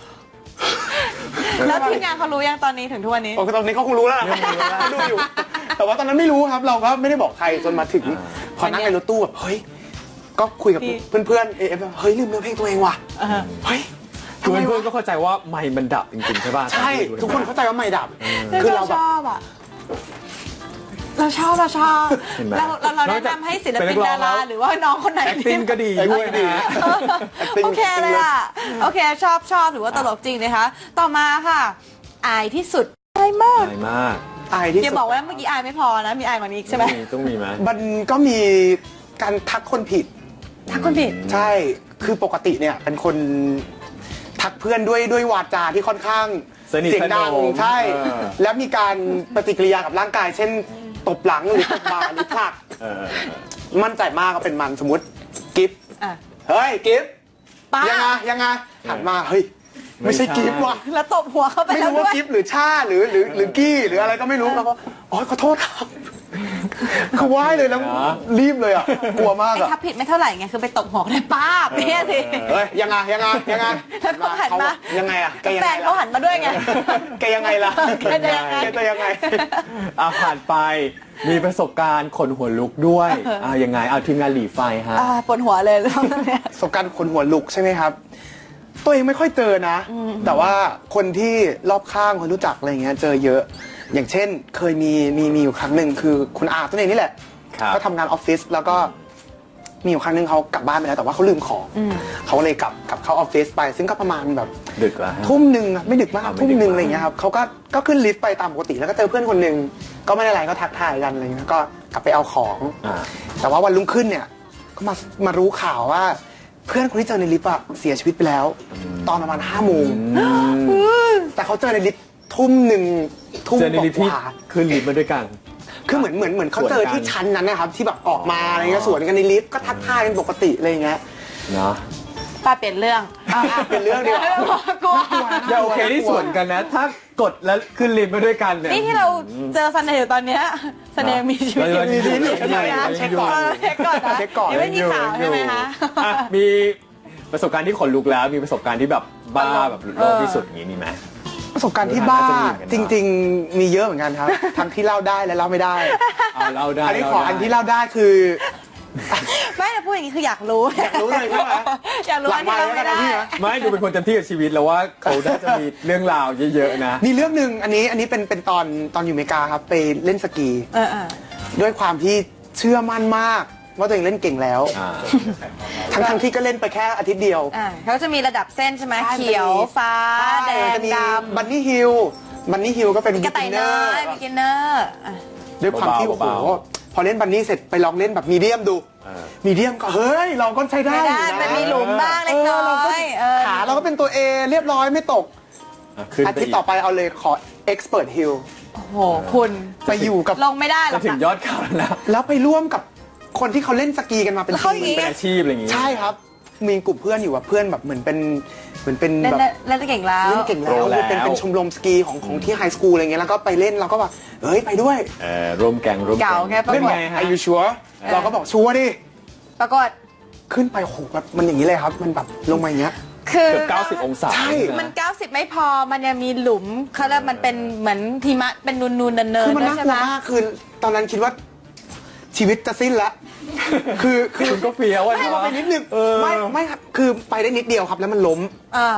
[SPEAKER 2] แล้วทีมงานเขารู้ยังตอนนี้ถึงทุกวันนี้
[SPEAKER 4] โอ้ตอนนี้เขาคงรู้แล้วนะเขาดูอยู่ แต่ว่าตอนนั้นไม่รู้ครับ เราก็ไม่ได้บอกใครจนมาถึง พอนั่งในรถตู้แบบเฮ้ย ก็คุยกับเพื่อนๆเอฟเฮ้ยลืมเนื้อเพลงตัวเองว่ะเฮ้ย
[SPEAKER 3] คือเพื่อนๆก็เข้าใจว่าไมค์มันดับจริงๆใช่ป่ะ
[SPEAKER 4] ใช่ ทุกคนเข้าใจว่าไม่ดับ
[SPEAKER 2] คือเราชอบอ่ะเราชอบ
[SPEAKER 3] เห็นไหม
[SPEAKER 2] เราแนะนำให้ศิลปินดาราหรือว่าน้องคนไหน
[SPEAKER 3] acting ก็ดีด้วยนะ
[SPEAKER 2] โอเคเลยอ่ะโอเคชอบหรือว่าตลกจริงนะคะต่อมาค่ะอายที่สุดอายมาก
[SPEAKER 3] ใช่มาก
[SPEAKER 4] อายที่
[SPEAKER 2] อย่า
[SPEAKER 4] สุด
[SPEAKER 2] บอกว่าเมื่อกี้อายไม่พอนะมีอายกว่านี้อีกใช่ไหม
[SPEAKER 3] ต้องมีไหม
[SPEAKER 4] มันก็มีการทักคนผิด
[SPEAKER 2] ทักคนผิด
[SPEAKER 4] ใช่ คือปกติเนี่ยเป็นคนทักเพื่อนด้วยวาจาที่ค่อนข้าง
[SPEAKER 3] สนิท
[SPEAKER 4] เสียงดัง
[SPEAKER 3] สนม
[SPEAKER 4] ใช่
[SPEAKER 3] เออ
[SPEAKER 4] แล้วมีการปฏิกิริยากับร่างกาย เช่นตบหลังหรือตบบ่าหรือผลัก
[SPEAKER 3] เออ
[SPEAKER 4] มั่นใจมากก็เป็นมันสมมติกิฟต์
[SPEAKER 2] อ่ะ
[SPEAKER 4] เฮ้ยกิฟต์
[SPEAKER 2] ป้า
[SPEAKER 4] ยังไงหันมาเฮ้ยไม่ใช่กิฟต์ว่ะ
[SPEAKER 2] แล้วตบหัวเข้าไป
[SPEAKER 4] ไม่
[SPEAKER 2] แล้ว
[SPEAKER 4] รู้
[SPEAKER 2] ด้ว
[SPEAKER 4] ว่าย กิฟต์หรือชาหรือกี้หรืออะไรก็ไม่รู้แล้วก็อ๋อขอโทษครับคือไหว้เลยแล้วรีบเลยอ่ะกลัวมาก
[SPEAKER 2] ไอ้
[SPEAKER 4] อ่ะ
[SPEAKER 2] ทับผิดไม่เท่าไหร่ไงคือไปตบหัวได้ป้าบเนี่ยสิ
[SPEAKER 4] เฮ้ยยังไง
[SPEAKER 2] แล้วเขาหันมา
[SPEAKER 4] ยังไงอ่ะแกยัง
[SPEAKER 2] แฟ
[SPEAKER 4] ไง
[SPEAKER 2] นเขาหันมาด้วยไง
[SPEAKER 4] แกยังไงล่ะ
[SPEAKER 2] แกจะยังไง
[SPEAKER 4] แกจะยังไง
[SPEAKER 3] ผ่านไปมีประสบการณ์ขนหัวลุกด้วยยังไงเอาทีมงานหลีไฟฮะ
[SPEAKER 2] ปวดหัวเลยแล้วเนี่ย
[SPEAKER 4] ประสบการณ์คนหัวลุกใช่ไหมครับ ตัวเองไม่ค่อยเจอนะ แต่ว่าคนที่รอบข้างคนรู้จักอะไรเงี้ยเจอเยอะ อย่างเช่นเคยมีอยู่ครั้งหนึ่งคือคุณอาตัวเองนี่แหละ
[SPEAKER 3] ครับ
[SPEAKER 4] เขาทำงานออฟฟิศแล้วก็มีอยู่ครั้งหนึ่งเขากลับบ้านไปแล้วแต่ว่าเขาลืมของเขาก็เลยกลับเข้าออฟฟิศไป ซึ่งก็ประมาณแบบ
[SPEAKER 3] ดึกแล้วฮะ
[SPEAKER 4] ทุ่มหนึ่งอะไม่ดึกมาก
[SPEAKER 3] ไม่
[SPEAKER 4] ทุ่ม
[SPEAKER 3] ดึก
[SPEAKER 4] หนึ่ง
[SPEAKER 3] มาก
[SPEAKER 4] อะไรเงี้ยครับเขาก็ขึ้นลิฟต์ไปตามปกติแล้วก็เจอเพื่อนคนหนึ่งก็ไม่ได้อะไรก็ทักทายกันอะไรเงี้ยก็กลับไปเอาของ แต่ว่าวันรุ่งขึ้นเนี่ยก็มารู้ข่าวว่าเพื่อนคนที่เจอในลิฟต์อะเสียชีวิตไปแล้ว ตอนประมาณ5 โมงแต่เขาเจอในลิฟต์ทุ่มหนึ่งทุ่ม
[SPEAKER 3] เจอในลิฟต์
[SPEAKER 4] ก
[SPEAKER 3] ที่
[SPEAKER 4] ว่า
[SPEAKER 3] ขึ้นลิฟต์มาด้วยกัน
[SPEAKER 4] คือเหมือนเขาเจอที่ชั้นนั้นนะครับที่แบบออกมาอะไรเงี้ยสวนกันในลิฟต์ก็ทักทายกันปกติอะไรเงี้ย
[SPEAKER 3] เนาะ
[SPEAKER 2] ป้าเปลี่ยนเรื่อง
[SPEAKER 4] เป็นเรื่องเดียว
[SPEAKER 2] กลัว
[SPEAKER 3] อย่าโอเคที่สวนกันนะ ถ้ากดแล้วขึ้นลิฟต์มาด้วยกันเนี่ย
[SPEAKER 2] นี่ที่เราเจอซันเนย์อยู่ตอนเนี้ยซันเนย์มีชีวิตอยู่
[SPEAKER 3] มีชีวิตอยู่
[SPEAKER 4] เช็คก่อน
[SPEAKER 2] เช็คก่อนนะ
[SPEAKER 4] เช็คก่อน
[SPEAKER 2] ยังไม่มีข่าวใช่ไหมคะ
[SPEAKER 3] อ่ะมีประสบการณ์ที่ขนลุกแล้วมีประสบการณ์ที่แบบบ้าแบบโลกที่สุดอย่างนี้มีไหม
[SPEAKER 4] ประสบการณ์ที่บ้า
[SPEAKER 3] น่าจะมีเหมือนกัน
[SPEAKER 4] จ
[SPEAKER 3] นะ
[SPEAKER 4] ริง ๆ มีเยอะเหมือนกันครับ ทั้งที่เล่าได้และเล่าไม่ได้
[SPEAKER 3] เล่าได้
[SPEAKER 4] อันนี้ขอ
[SPEAKER 3] เล่าได้
[SPEAKER 4] อันที่เล่าได้คือ
[SPEAKER 2] ไม่แต่พูดอย่างนี้คืออยากรู้
[SPEAKER 4] อยากรู้เลยใช่ไหม
[SPEAKER 2] อยากรู้อันที่เราไม่ได้
[SPEAKER 3] ไม่ดูเป็นคนเต็มที่กับชีวิตแล้วว่าเขาน่าจะมีเรื่องราวเยอะๆนะ
[SPEAKER 4] มีเรื่องหนึ่งอันนี้เป็นตอนอยู่อเมริกาครับไปเล่นสกี
[SPEAKER 2] เออ
[SPEAKER 4] ด้วยความที่เชื่อมั่นมากว่าตัวเองเล่นเก่งแล้ว ทั้งที่ก็เล่นไปแค่อาทิตย์เดียว
[SPEAKER 2] เขาจะมีระดับเส้นใช่ไหมเขียวฟ้าแดงดำ
[SPEAKER 4] บันนี่ฮิลก็เป็น
[SPEAKER 2] กระต่ายน้อยบิกินเนอร์
[SPEAKER 4] ด้วยความที่โอ้โห
[SPEAKER 3] เบา
[SPEAKER 4] พอเล่นบันนี่เสร็จไปลองเล่นแบบมีเดียมดู มีเดียมก็เฮ้ยเราก็ใช้ได้
[SPEAKER 2] ไม่ได้
[SPEAKER 4] อยู่ะ
[SPEAKER 2] มันมีหลุมบ้างเล็กน้อย
[SPEAKER 4] ขาเราก็เป็นตัว A เรียบร้อยไม่ตก
[SPEAKER 3] ขึ้น
[SPEAKER 4] อา
[SPEAKER 3] ไป
[SPEAKER 4] ทิตย์ต่อไปเอาเลยขอ Expert Hill
[SPEAKER 2] โอ้โหคุณ
[SPEAKER 4] ไปอยู่กับ
[SPEAKER 2] ลงไม่ได้หร
[SPEAKER 3] จะ
[SPEAKER 2] อก
[SPEAKER 3] ถึงยอดเขาแล้ว
[SPEAKER 4] แล้วไปร่วมกับคนที่เขาเล่นสกีกันมาเป็น
[SPEAKER 2] แล้วเขา
[SPEAKER 4] ที
[SPEAKER 2] อย่าง
[SPEAKER 4] ม
[SPEAKER 2] งี้
[SPEAKER 3] เป็นอาชีพอะไรอย่างงี้
[SPEAKER 4] ใช่ครับ มีกลุ่มเพื่อนอยู่ว่าเพื่อนแบบเหมือนเป็น
[SPEAKER 2] เล่น
[SPEAKER 4] แบบ
[SPEAKER 2] เล่นเก่งแล้ว
[SPEAKER 4] เล่นเก่งแล้วเป็นชมรมสกีของที่ไฮสคูลอะไรเงี้ยแล้วก็ไปเล่นเราก็แบบเฮ้ยไปด้วย
[SPEAKER 3] ร่วมแกงร่วมแก
[SPEAKER 2] เก่าง ไงปะ
[SPEAKER 3] เล่นไงฮะ
[SPEAKER 4] อายุชัวเราก็บอกชัวร์ดิ
[SPEAKER 2] ปรากฏ
[SPEAKER 4] ขึ้นไปโหแบบมันอย่างนี้เลยครับ มันแบบลงมาอย่างเงี้ย
[SPEAKER 2] คือ
[SPEAKER 3] เกือบ90 องศา
[SPEAKER 4] ใช่
[SPEAKER 3] นะ
[SPEAKER 2] มัน 90 ไม่พอมันยังมีหลุมเขาเรียกมันเป็นเหมือนหิมะเป็นนูนๆเนิน
[SPEAKER 4] คือ
[SPEAKER 2] ๆ
[SPEAKER 4] มัน
[SPEAKER 2] ด้วย
[SPEAKER 4] น่าก
[SPEAKER 2] ใช่
[SPEAKER 4] ลั
[SPEAKER 2] ไห
[SPEAKER 4] ว
[SPEAKER 2] ม
[SPEAKER 4] มากคือตอนนั้นคิดว่าชีวิตจะสิ้นละคือ
[SPEAKER 3] คุณก็เฟี้ยวอะ
[SPEAKER 4] ให้เราไปนิดนึง
[SPEAKER 3] เออ
[SPEAKER 4] ไม่ครับคือไปได้นิดเดียวครับแล้วมันล้ม
[SPEAKER 2] เออ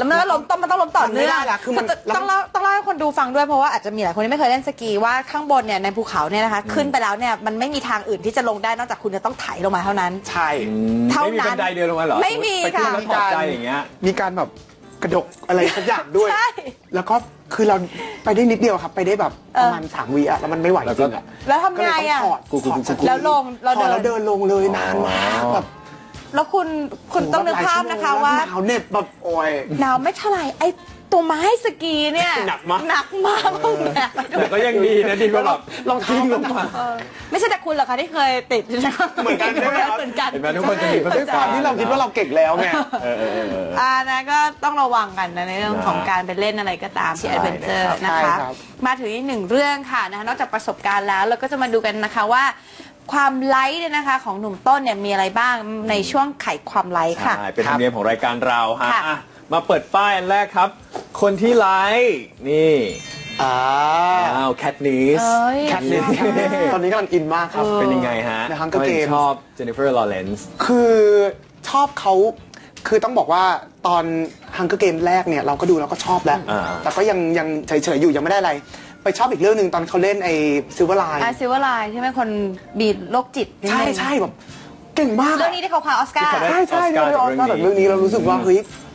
[SPEAKER 2] แล้วมันก็ล้มมันต้องล้มต่อเนื่อง
[SPEAKER 4] มันไม่ได้ละคือมัน
[SPEAKER 2] ต้องเล่าให้คนดูฟังด้วยเพราะว่าอาจจะมีหลายคนที่ไม่เคยเล่นสกีว่าข้างบนเนี่ยในภูเขาเนี่ยนะคะขึ้นไปแล้วเนี่ยมันไม่มีทางอื่นที่จะลงได้นอกจากคุณจะต้องไถลงมาเท่านั้น
[SPEAKER 4] ใช่
[SPEAKER 2] เท่า
[SPEAKER 3] ไม่มี
[SPEAKER 2] นั้
[SPEAKER 3] บั
[SPEAKER 2] น
[SPEAKER 3] นไดเดินลงมาเหรอ
[SPEAKER 2] ไม่มี
[SPEAKER 3] ไปขึ้น
[SPEAKER 2] ค่ะ
[SPEAKER 3] แล้วถอดใจอย่างเงี้ย
[SPEAKER 4] มีการแบบกระดกอะไรสักอย่างด้วย
[SPEAKER 2] ใช่
[SPEAKER 4] แล้วก็คือเราไปได้นิดเดียวครับไปได้แบบประมาณ3 วิอะแล้วมันไม่ไหวจริงอะ
[SPEAKER 2] แล้วทำไงอะ
[SPEAKER 4] ก็เลยต้องถอดสกี
[SPEAKER 2] แล้วลงเรา
[SPEAKER 4] ถอด
[SPEAKER 2] เดิ
[SPEAKER 4] แล้ว
[SPEAKER 2] น
[SPEAKER 4] เดินลงเลยนานมากแบบ
[SPEAKER 2] แล้วคุณต้องนึกภาพนะคะว่า
[SPEAKER 4] หนาวเหน็บแบบโอ้ย
[SPEAKER 2] หนาวไม่เท่าไหร่ไอ้ตัวไม้สกีเนี่ย
[SPEAKER 4] หนักมาก
[SPEAKER 2] หนักมากต้องแบกไปด้ว
[SPEAKER 3] แต่
[SPEAKER 2] ย
[SPEAKER 3] ก็ยังดีนะดีกว่าแบบ
[SPEAKER 4] รองเท้า
[SPEAKER 3] ทิ้งล
[SPEAKER 4] ก็
[SPEAKER 3] ง
[SPEAKER 4] หนัก
[SPEAKER 3] มา
[SPEAKER 2] ไม่ใช่แต่คุณหรอกคะที่เคยติด
[SPEAKER 4] เหมือนกันใช่ไหมครับ
[SPEAKER 2] เหมือนกัน
[SPEAKER 3] เห็นไหมทุกคนจะมีประส
[SPEAKER 4] ด้ว
[SPEAKER 3] บ
[SPEAKER 4] ยค
[SPEAKER 3] กาว
[SPEAKER 4] าร ม
[SPEAKER 3] ณ์
[SPEAKER 4] ที่เราคิดว่าเราเก่งแล้วไง
[SPEAKER 2] นะก็ต้องระวังกันนะในเรื่องของการไปเล่นอะไรก็ตามที่
[SPEAKER 3] ใช่
[SPEAKER 2] แอดเวนเจอร์
[SPEAKER 3] นะครับ
[SPEAKER 2] นะ
[SPEAKER 4] ใช่
[SPEAKER 2] คะ
[SPEAKER 4] ครับ
[SPEAKER 2] มาถึงอีกหนึ่งเรื่องค่ะนะคะนอกจากประสบการณ์แล้วเราก็จะมาดูกันนะคะว่า ความไลค์เนี่ยนะคะของหนุ่มต้นเนี่ยมีอะไรบ้างในช่วงไขความไลค์ค่ะ
[SPEAKER 3] ใช่เป็นธรรมเนียมของรายการเราฮะ
[SPEAKER 2] ค่ะ
[SPEAKER 3] อ่ะมาเปิดป้ายอันแรกครับ คนที่ไลค์นี่
[SPEAKER 4] อ่า
[SPEAKER 3] อ้าวแคทนิส
[SPEAKER 2] เอ้ย
[SPEAKER 4] แคทนิสตอนนี้กำลังอินมากครับ
[SPEAKER 3] เป็นยังไงฮะ
[SPEAKER 4] ใน Hunger
[SPEAKER 3] ทำไมถึง
[SPEAKER 4] Games
[SPEAKER 3] ชอบเจนนิเฟอร์ลอเรนซ์
[SPEAKER 4] คือชอบเขาคือต้องบอกว่าตอน Hunger Games แรกเนี่ยเราก็ดูแล้วก็ชอบแล้ว แต่ก็ยังเฉยๆอยู่ยังไม่ได้อะไร ไปชอบอีกเรื่องหนึ่งตอนเขาเล่นไอ้ซิลเวอร์ไลน์
[SPEAKER 2] ซิลเวอร์ไลน์ใช่ไหมคนบีดโรคจิตนิด
[SPEAKER 4] ใช่
[SPEAKER 2] นึง
[SPEAKER 4] ใช่แบบเก่งมาก
[SPEAKER 2] เรื่องนี้ที่เขาคว้าออสการ์
[SPEAKER 3] ที่เขาได้
[SPEAKER 4] ใช่เลยออสการ์แบบเรื่องนี้เรารู้สึกว่าเฮ้ย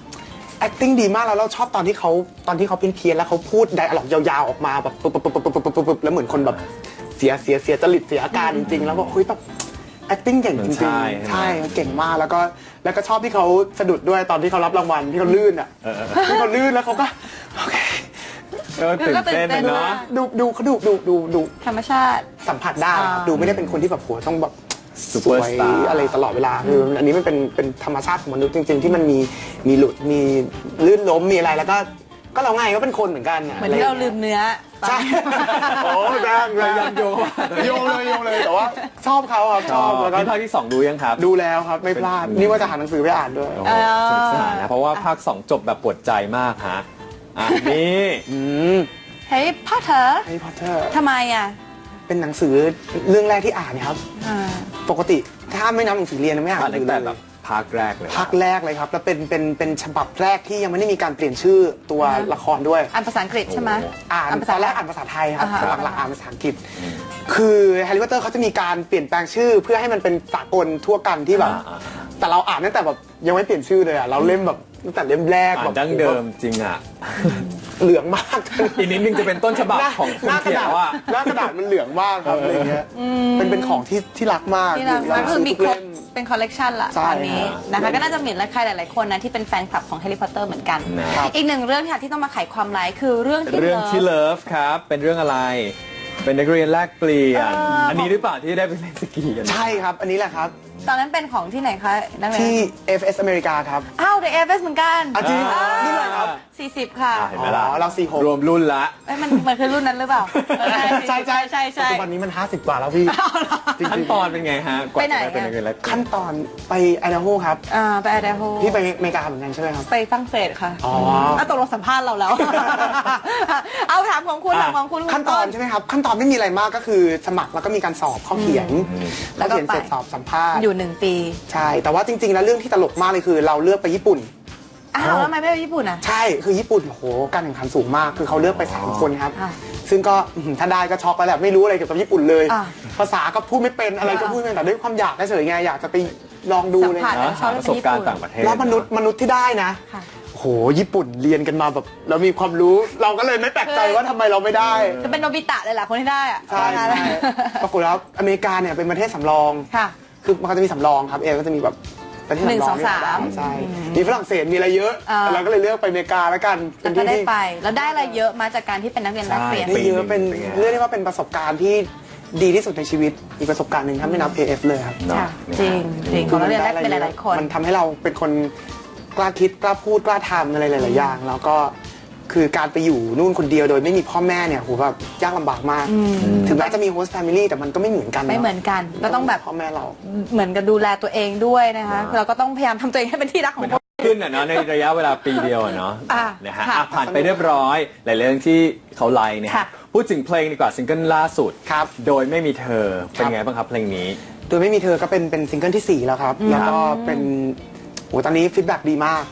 [SPEAKER 4] acting ดีมากแล้วเราชอบตอนที่เขาเพี้ยนๆแล้วเขาพูดไดอะล็อกยาวๆออกมาแบบปุ๊บแล้วเหมือนคนแบบเสียจริตเสียอาการจริงๆแล้วบอกเฮ้ยแบบ acting เก่งจริง
[SPEAKER 3] ใช่
[SPEAKER 4] ๆใช่เก่งมากแล้วก็ชอบที่เขาสะดุดด้วยตอนที่เขารับรางวัลที่เขาลื่นอ่ะที่เขาลื่นแล้วเขาก็โอเค
[SPEAKER 3] ตื่นเต้นนะเนาะ
[SPEAKER 4] ดูเขาดู
[SPEAKER 2] ธรรมชาติ
[SPEAKER 4] สัมผัสได้ครับดูไม่ได้เป็นคนที่แบบโหต้องแบบ
[SPEAKER 3] ซูเปอร์สตาร์
[SPEAKER 4] สวยอะไรตลอดเวลาคืออันนี้มันเป็นธรรมชาติของมนุษย์จริง ๆ ที่มันมีหลุดมีลื่นล้มมีอะไรแล้วก็เราไงก็เป็นคนเหมือนกัน
[SPEAKER 2] เหมือนที่เราลืมเนื้อ
[SPEAKER 4] ใช่โอ้แรงเลย
[SPEAKER 3] ยังโยง
[SPEAKER 4] โยงเลยแต่ว่าชอบเขาครับชอบแล้วก็
[SPEAKER 3] นี่ภาคที่ 2 ดูยังครับ
[SPEAKER 4] ดูแล้วครับไม่พลาดนี่ว่าจะหาหนังสือไปอ่านด้วย
[SPEAKER 3] โอ้โหสนุกสนานนะ เพราะว่าภาค 2 จบแบบปวดใจมากฮะอ่ะนี่
[SPEAKER 2] เฮ้ยพ่อเธอ
[SPEAKER 4] แฮร์รี่พอตเตอร์
[SPEAKER 2] ทำไมอ่ะ
[SPEAKER 4] เป็นหนังสือเรื่องแรกที่อ่านครับ
[SPEAKER 2] อ่า
[SPEAKER 4] ปกติถ้าไม่นับหนังสือเรียนไม่อ่านห
[SPEAKER 3] อ่าน
[SPEAKER 4] นัง
[SPEAKER 3] ตั้
[SPEAKER 4] สื
[SPEAKER 3] ง
[SPEAKER 4] อ
[SPEAKER 3] แต่
[SPEAKER 4] เลย
[SPEAKER 3] แบบภาคแรกเลย
[SPEAKER 4] ภาคแรกเลยครับแล้วเป็นฉบับแรกที่ยังไม่ได้มีการเปลี่ยนชื่อตัวละครด้วย
[SPEAKER 2] อ่านภาษาอังกฤษใช่ไหม
[SPEAKER 4] อ่านตอนแรกอ่านภาษาไทยครับ
[SPEAKER 2] อ่าฮะ
[SPEAKER 4] หลังๆอ่านภาษาอังกฤษ คือแฮร์รี่พอตเตอร์เขาจะมีการเปลี่ยนแปลงชื่อ เพื่อให้มันเป็นสากลทั่วกันที่แบบแต่เราอ่านตั้งแต่แบบยังไม่เปลี่ยนชื่อเลยอ่ะเราเล่มแบบตั้งแต่เล่มแรก
[SPEAKER 3] อ่า
[SPEAKER 4] แบ
[SPEAKER 3] น
[SPEAKER 4] บ
[SPEAKER 3] ดั้งเดิมจริงอ่ะ
[SPEAKER 4] เหลืองมาก
[SPEAKER 3] อีกนิดนึงจะเป็นต้นฉบับของคน
[SPEAKER 4] หน้าก
[SPEAKER 3] เขี
[SPEAKER 4] ระ
[SPEAKER 3] ย
[SPEAKER 4] ดาน ษ
[SPEAKER 3] ว่า
[SPEAKER 4] หน้ากระดาษมันเหลืองมากครับอะไรเงี้ยเป็นของที่รักมาก
[SPEAKER 2] ที่เรา
[SPEAKER 4] เรา
[SPEAKER 2] คือ
[SPEAKER 4] ซื้อ
[SPEAKER 2] มี
[SPEAKER 4] ทุก
[SPEAKER 2] ครบ
[SPEAKER 4] เล่ม
[SPEAKER 2] เป็นคอลเลกชันละ
[SPEAKER 4] ใช่
[SPEAKER 2] ตอนนี้
[SPEAKER 4] ครับ
[SPEAKER 2] นะคะก็น่าจะมีใครหลาย ๆ คนนะที่เป็นแฟนคลับของแฮร์รี่พอตเตอร์เหมือนกัน
[SPEAKER 3] ครับ
[SPEAKER 2] อีกหนึ่งเรื่องค่ะที่ต้องมาไขความไลค์คือเรื่องที่
[SPEAKER 3] เรื่องที่
[SPEAKER 2] เลิฟ
[SPEAKER 3] เลิฟครับ เป็นเรื่องอะไร เป็นนักเรียนแลกเปลี่ยน
[SPEAKER 2] อั
[SPEAKER 3] อันนี้หรือเปล่าที่ได้ไปเล่นสกีกัน
[SPEAKER 4] ใช่ครับ อันนี้แหละครับ
[SPEAKER 2] ตอนนั้นเป็นของที่ไหนคะนักเรียน
[SPEAKER 4] ที่ FS อเมริกาครับ
[SPEAKER 2] อ้าวเดอะเอฟเอสเหมือนกัน
[SPEAKER 4] จริงนี่เลยครับ
[SPEAKER 2] 40 ค่ะ
[SPEAKER 3] เห็นไหมล่ะ
[SPEAKER 4] อ๋อเรา46
[SPEAKER 3] รวมรุ่นละ
[SPEAKER 2] เอ้ยมันคือรุ่นนั้นหรือเปล่าเออใช่ใช่
[SPEAKER 4] ปัจจุบันนี้มัน50 กว่าแล้วพี่จริงๆ
[SPEAKER 3] ขั้นตอนเป็นไงฮะกว่า
[SPEAKER 2] ไปไหน
[SPEAKER 3] จะได้เป็นนักเรียนแลกเปลี่ยน
[SPEAKER 4] ขั้นตอนไปไอดาโฮครับ
[SPEAKER 2] ไปไอเดโฮ
[SPEAKER 4] พี่ไปอเมริกาเหมือนกันใช่ไหมครับ
[SPEAKER 2] ไปฝรั่งเศสค่ะ
[SPEAKER 4] อ๋อ
[SPEAKER 2] ตกลงสัมภาษณ์เราแล้ว เอาถามของคุณถามของคุณ
[SPEAKER 4] ขั้นตอนใช่ไหมครับ ขั้นตอนไม่มีอะไรมากก็คือสมัครแล้วก็มีการสอบข้อเขียน
[SPEAKER 2] แล้
[SPEAKER 4] ข้อ
[SPEAKER 2] วก็
[SPEAKER 4] เขียนเสร็จ
[SPEAKER 2] ไป
[SPEAKER 4] สอบสัมภาษณ์
[SPEAKER 2] อยู่1 ปี
[SPEAKER 4] ใช่ แต่ว่าจริงๆแล้วเรื่องที่ตลกมากเลยคือเราเลือกไปญี่ปุ่น
[SPEAKER 2] อ้าวแล้วทำไมไม่ไปญี่ปุ่นอ่ะ
[SPEAKER 4] ใช่ คือญี่ปุ่นโอ้โหการแข่งขันสูงมาก คือเขาเลือกไป3 คนครับ
[SPEAKER 2] อ่ะ
[SPEAKER 4] ซึ่งก็ถ้าได้ก็ช็อกไปแหละไม่รู้อะไรเกี่ยวกับญี่ปุ่นเลย
[SPEAKER 2] อ่ะ
[SPEAKER 4] ภาษาก็พูดไม่เป็นอะไรก็พูดไม่เป็นแต่ด้วยความอยากเฉยๆไงอยากจะไปลองดูเลย
[SPEAKER 2] สัมผัส
[SPEAKER 3] นะหาประสบการณ์ต่างประเทศ
[SPEAKER 4] แล้วมนุษย์ที่ได้นะ
[SPEAKER 2] ค่ะ
[SPEAKER 4] โอ้โหญี่ปุ่นเรียนกันมาแบบเรามีความรู้เราก็เลยไม่แปลกใจว่าทำไมเราไม่ได้
[SPEAKER 2] จะเป็นโนบิตะเลยแหละคนที่ได้อ่ะ
[SPEAKER 4] ใช่ใช่ปรากฏแล้วอเมริกาเนี่ยเป็นประเทศสำรอง
[SPEAKER 2] ค่ะ
[SPEAKER 4] คือมันก็จะมีสำรองครับก็จะมีแบบประเทศสำรอง
[SPEAKER 2] 1 2 3
[SPEAKER 4] ใช่มีฝรั่งเศสมีอะไรเยอะ
[SPEAKER 2] อ่า
[SPEAKER 4] เราก็เลยเลือกไปอเมริกาแล้วกัน
[SPEAKER 2] แล้วก็ได้ไป แล้วได้อะไรเยอะมาจากการที่เป็นนักเรียนแลกเปลี่ยน
[SPEAKER 4] ได้เยอะเป็น
[SPEAKER 3] เป็นไง
[SPEAKER 4] เรียกได้ว่าเป็นประสบการณ์ที่ดีที่สุดในชีวิตอีกประสบการณ์หนึ่งถ้าไม่นับ AF เลยครับ
[SPEAKER 3] เนาะ
[SPEAKER 2] ค่ะจริงจริงของนักเรียนแลกเปลี่ยนหลายๆคน
[SPEAKER 4] มันทำให้เราเป็นคนกล้าคิดกล้าพูดกล้าทำอะไรหลายๆอย่างแล้วก็คือการไปอยู่นู่นคนเดียวโดยไม่มีพ่อแม่เนี่ยโหแบบยากลำบากมาก ถึงแม้จะมีโฮสต์แฟมิลี่แต่มันก็ไม่เหมือนกัน
[SPEAKER 2] ไม่เหมือนกันก็ต้องแบบ
[SPEAKER 4] พ่อแม่เรา
[SPEAKER 2] เหมือนกับดูแลตัวเองด้วยนะคะเราก็ต้องพยายามทำตัวเองให้เป็นที่รักของคน
[SPEAKER 3] ขึ้นอ่ะเนาะในระยะเวลาปีเดียวอะเนาะ
[SPEAKER 2] อ่ะ
[SPEAKER 3] นะฮะ
[SPEAKER 2] ค่ะ
[SPEAKER 3] อ่ะผ่านไปเรียบร้อยหลายเรื่องที่เขาไลน์เนี่ย
[SPEAKER 2] ค่ะ
[SPEAKER 3] พูดถึงเพลงดีกว่าซิงเกิลล่าสุด
[SPEAKER 4] ครับ
[SPEAKER 3] โดยไม่มีเธอเป็นไงบ้างครับเพลงนี้
[SPEAKER 4] โดยไม่มีเธอก็เป็นซิงเกิลที่ 4 แล้วครับ แล้วก็เป็นโหตอนนี้ฟีดแบ็กดีมาก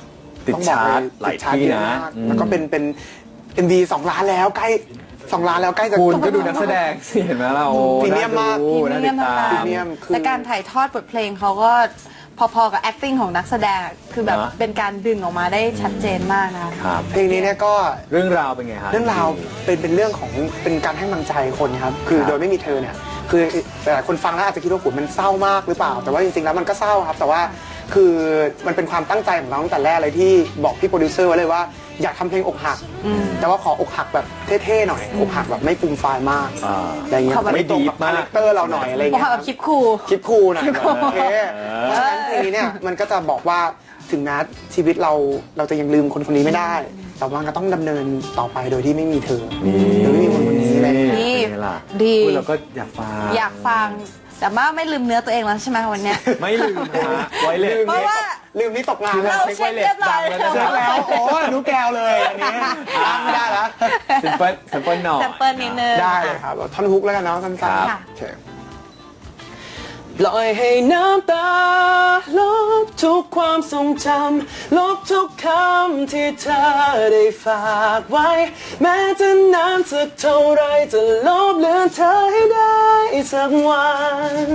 [SPEAKER 3] ติด
[SPEAKER 4] ต้องบอก
[SPEAKER 3] ชาร์ต
[SPEAKER 4] เลย
[SPEAKER 3] หลาย
[SPEAKER 4] ติดชร์ต
[SPEAKER 3] ที่
[SPEAKER 4] เยอ
[SPEAKER 3] นะ
[SPEAKER 4] มากแล้วก็เป็น MV 2 ล้านแล้วใกล้2 ล้านแล้วใกล้จะ
[SPEAKER 3] คุณก็ดูนักแสดงสิเห็นไหมเราโอ้
[SPEAKER 4] พรีเมียมมาก
[SPEAKER 3] น่าติดตาม
[SPEAKER 4] พรีเมียมคือ
[SPEAKER 2] และการถ่ายทอดบทเพลงเขาก็พอๆกับ acting ของนักแสดงคือแบบ
[SPEAKER 3] นะ
[SPEAKER 2] เป็นการดึงออกมาได้ชัดเจนมากนะคะ
[SPEAKER 3] ครับ
[SPEAKER 4] เพลงนี้เนี่ยก็
[SPEAKER 3] เรื่องราวเป็นไงฮะ
[SPEAKER 4] เรื่องราวเป็นเรื่องของเป็นการให้กำลังใจคนครับคือ
[SPEAKER 3] ครับ
[SPEAKER 4] โดยไม่มีเธอเนี่ยคือหลายคนฟังแล้วอาจจะคิดว่าโหมันเศร้ามากหรือเปล่า แต่ว่าจริงๆแล้วมันก็เศร้าครับ แต่ว่าคือมันเป็นความตั้งใจของเราตั้งแต่แรกเลยที่บอกพี่โปรดิวเซอร์ไว้เลยว่าอยากทำเพลงอกหัก แต่ว่าขออกหักแบบเท่ๆหน่อยอกหักแบบไม่ฟูมฟายมาก
[SPEAKER 3] อ่า
[SPEAKER 4] อะไรเงี้ย
[SPEAKER 2] ขอแบบ
[SPEAKER 4] ไม่ตรงกับคาแรคเตอร์เราหน่อยอะไร
[SPEAKER 2] บอก
[SPEAKER 4] เงี้ย
[SPEAKER 2] แบบคลิปคูล
[SPEAKER 4] คลิปคูลหน่อยโอเคเพราะฉะนั้นเพลงนี้เนี่ยมันก็จะบอกว่าถึงแม้ชีวิตเราจะยังลืมคนคนนี้ไม่ได้ แต่ว่าก็ต้องดำเนินต่อไปโดยที่ไม่มีเธอโดยไม่มีคนคนนี้เลย
[SPEAKER 2] นี่
[SPEAKER 3] เป็นไงล่ะ
[SPEAKER 2] ดี
[SPEAKER 3] พูเราก็อยากฟัง
[SPEAKER 2] อยากฟัง แต่ว่าไม่ลืมเนื้อตัวเองแล้วใช่ไหมวันเนี้ย
[SPEAKER 3] ไม่ลืมนะฮะไว้เลย
[SPEAKER 2] เพราะว่า
[SPEAKER 4] ลืมนี่ตกงาน
[SPEAKER 2] เราเช็คเรียบร้อย
[SPEAKER 3] เช็
[SPEAKER 2] แล้ว
[SPEAKER 3] ค
[SPEAKER 4] เช็คแล้วโอ้รู้แก้วเลยอันนี้ไม่ได้แล้ว
[SPEAKER 3] ซิมเปิลหน่อย
[SPEAKER 2] แซมเปิลนิดนึง
[SPEAKER 4] ได้เลยครับท่อนฮุกแล้วกันเนาะสั้น
[SPEAKER 3] ครับ
[SPEAKER 2] ค่ะ
[SPEAKER 4] ๆโอเคปล่อยให้น้ำตาลบทุกความทรงจำลบทุกคำที่เธอได้ฝากไว้ แม้จะนานสักเท่าไรจะลบเลือนเธอให้ได้สักวัน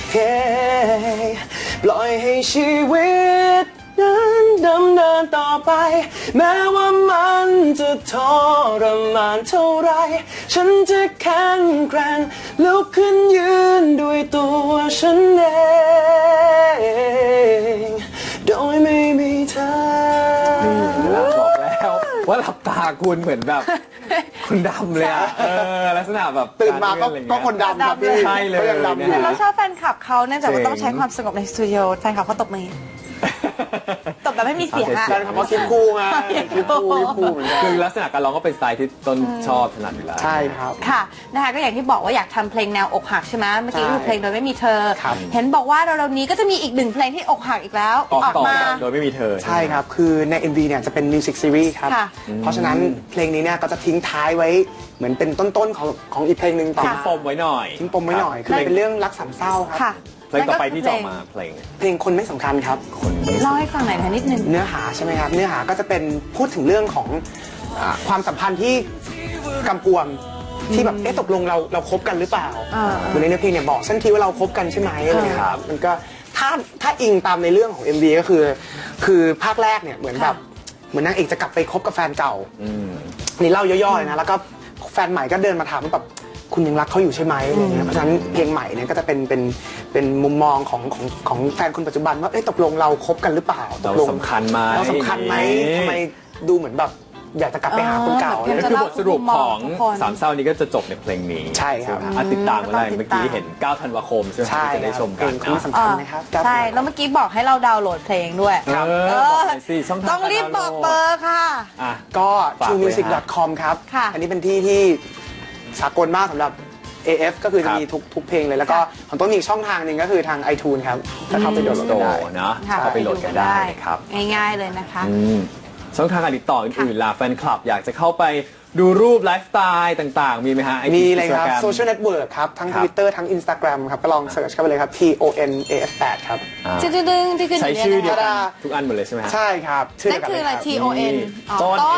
[SPEAKER 4] ปล่อยให้ชีวิตนั้นดำเนินต่อไป แม้ว่ามันจะทรมานเท่าไร ฉันจะแข็งแกร่งลุกขึ้นยืนด้วยตัวฉันเองโดยไม่มีเธอ
[SPEAKER 3] แล้วบอกแล้วว่าหลับตาคุณเหมือนแบบคุณดำเลยอะลักษณะแบบ
[SPEAKER 4] ตื่นมาก็
[SPEAKER 3] รเลื่อนอะไรเงี้ย
[SPEAKER 4] คนดำครับพี่
[SPEAKER 3] ใช่เลย
[SPEAKER 4] ก็ยังดำอยู่
[SPEAKER 3] นะ
[SPEAKER 2] เรา
[SPEAKER 3] ฮะ
[SPEAKER 2] ชอบแฟนคลับเขาเนื่องจากว่า
[SPEAKER 3] เจ๋ง
[SPEAKER 2] ต้องใช้ความสงบในสตูดิโอแฟนคลับเขาตบมือตบแบบไม่มีเสียงอะ
[SPEAKER 4] แฟนคลับเขาคิดคู่ไงคิดคู่เหมือนกัน
[SPEAKER 3] คือลักษณะการร้องก็เป็นสไตล์ที่ต้นชอบถนัดอยู่แล้ว
[SPEAKER 4] ใช่ครับ
[SPEAKER 2] ค่ะนะคะก็อย่างที่บอกว่าอยากทำเพลงแนวอกหักใช่ไหมเมื่อกี้
[SPEAKER 4] ใช่
[SPEAKER 2] คือเพลงโดยไม่มีเธอ
[SPEAKER 4] ครับ
[SPEAKER 2] เห็นบอกว่าเราๆนี้ก็จะมีอีกหนึ่งเพลงที่อกหักอีกแล้ว
[SPEAKER 3] ออกต่อ
[SPEAKER 2] มา
[SPEAKER 3] โดยไม่มีเธอ
[SPEAKER 4] ใช่ครับ คือใน MV เนี่ยจะเป็นมิวสิกซีรีส์ครับ
[SPEAKER 2] ค่ะ
[SPEAKER 4] เพราะฉะนั้นเพลงนี้เนี่ยก็จะทิ้งท้ายไว้เหมือนเป็นต้นๆของอีกเพลงหนึ่งต่อ
[SPEAKER 3] ทิ้งปมไว้หน่อย
[SPEAKER 4] ทิ้งปมไว้หน่อย คือเป็นเรื่องรักสามเศร้าครับ
[SPEAKER 2] ค่ะ
[SPEAKER 3] เพลงต่อไปที่จะออกมาเพลง
[SPEAKER 4] เพลงคนไม่สำคัญครับ
[SPEAKER 3] คนไม่
[SPEAKER 2] เล่าให้ฟังหน่อยนะนิดนึง
[SPEAKER 4] เนื้อหาใช่ไหมครับ เนื้อหาก็จะเป็นพูดถึงเรื่องของความสัมพันธ์ที่กำกวมที่แบบตกลงเราคบกันหรือเปล่า เหมือนในเนื้อเพลงเนี่ยบอกฉันทีว่าเราคบกันใช่ไหมอะไรเงี้ยครับมันก็ถ้าอิงตามในเรื่องของ MV ก็คือภาคแรกเนี่ยเหมือนแบบเหมือนนางเอกจะกลับไปคบกับแฟนเก่า นี่เล่าย่อๆเลยนะแล้วก็แฟนใหม่ก็เดินมาถามว่าแบบคุณยังรักเขาอยู่ใช่ไหมอะไรเงี้ยเพราะฉะนั้นเพลงใหม่เนี่ยก็จะเป็นมุมมองของแฟนคนปัจจุบันว่าตกลงเราคบกันหรือเปล่าต
[SPEAKER 3] เรา
[SPEAKER 4] กลง
[SPEAKER 3] สำคัญไหม
[SPEAKER 4] เราสำคัญไหมทำไมดูเหมือนแบบอยากจะกลับไปหาคนเก่า
[SPEAKER 2] อ๋อ
[SPEAKER 4] อะไร
[SPEAKER 2] แบบ
[SPEAKER 3] คือบทสรุปของ
[SPEAKER 2] ทุกคน
[SPEAKER 3] สามเศร้านี้ก็จะจบในเพลงนี้
[SPEAKER 4] ใช่ครับ
[SPEAKER 3] ไหมติดตามกันได้
[SPEAKER 2] ต้องติดตาม
[SPEAKER 3] เมื่อกี้เห็น 9 ธันวาคมใช่ไหม
[SPEAKER 4] ใช่
[SPEAKER 3] ที่จะได้ชม
[SPEAKER 4] เพ
[SPEAKER 3] กั
[SPEAKER 4] ล
[SPEAKER 3] น
[SPEAKER 4] งคนสำคัญนะครับ
[SPEAKER 2] ใช่แล้วเมื่อกี้บอกให้เราดาวน์โหลดเพลงด้วย
[SPEAKER 3] ครับบอกหน่อยสิช่องทาง
[SPEAKER 2] ต้องรีบบอกเบอร์ค่ะ
[SPEAKER 3] อ่ะ
[SPEAKER 4] ก็
[SPEAKER 3] ฝากไว้
[SPEAKER 4] truemusic.com ครับ
[SPEAKER 2] ค่ะ
[SPEAKER 4] อันนี้เป็นที่ที่สากลมากสำหรับ AF ก็คือจะมีทุกเพลงเลยแล้วก็ของต้นมีอีกช่องทางหนึ่งก็คือทาง iTunes ครับถ้าเข้าไปโหลด
[SPEAKER 3] โต
[SPEAKER 4] ได้
[SPEAKER 3] เนาะ
[SPEAKER 2] ค่ะ
[SPEAKER 3] เข้าไปโหลดกันได้นะครับ
[SPEAKER 2] ง่ายๆเลยนะคะ
[SPEAKER 3] ช่องทางการติดต่ออื่นๆล่ะแฟนคลับอยากจะเข้าไปดูรูปไลฟ์สไตล์ต่างๆ มีไหมฮะ
[SPEAKER 4] มีเลยครับ
[SPEAKER 3] Instagram
[SPEAKER 4] Social Network ครับ ทั้ง
[SPEAKER 3] ครับ
[SPEAKER 4] Twitter ทั้ง Instagram ครับ ก็ลองเสิร์ชเข้าไปเลยครับ TONAF8 ครับ
[SPEAKER 3] อ่า
[SPEAKER 2] ดึงๆที่ขึ้น
[SPEAKER 3] ใช้ชื่อเดียว
[SPEAKER 4] ธรรม
[SPEAKER 3] กัน
[SPEAKER 4] ดา
[SPEAKER 3] ทุกอันหมดเลยใช่ไหมฮะ
[SPEAKER 4] ใช่ครับชื่
[SPEAKER 2] นั่นคืออะไร
[SPEAKER 4] เดียวกันเลย
[SPEAKER 2] TON อ๋อ
[SPEAKER 3] ต้น
[SPEAKER 2] ต้น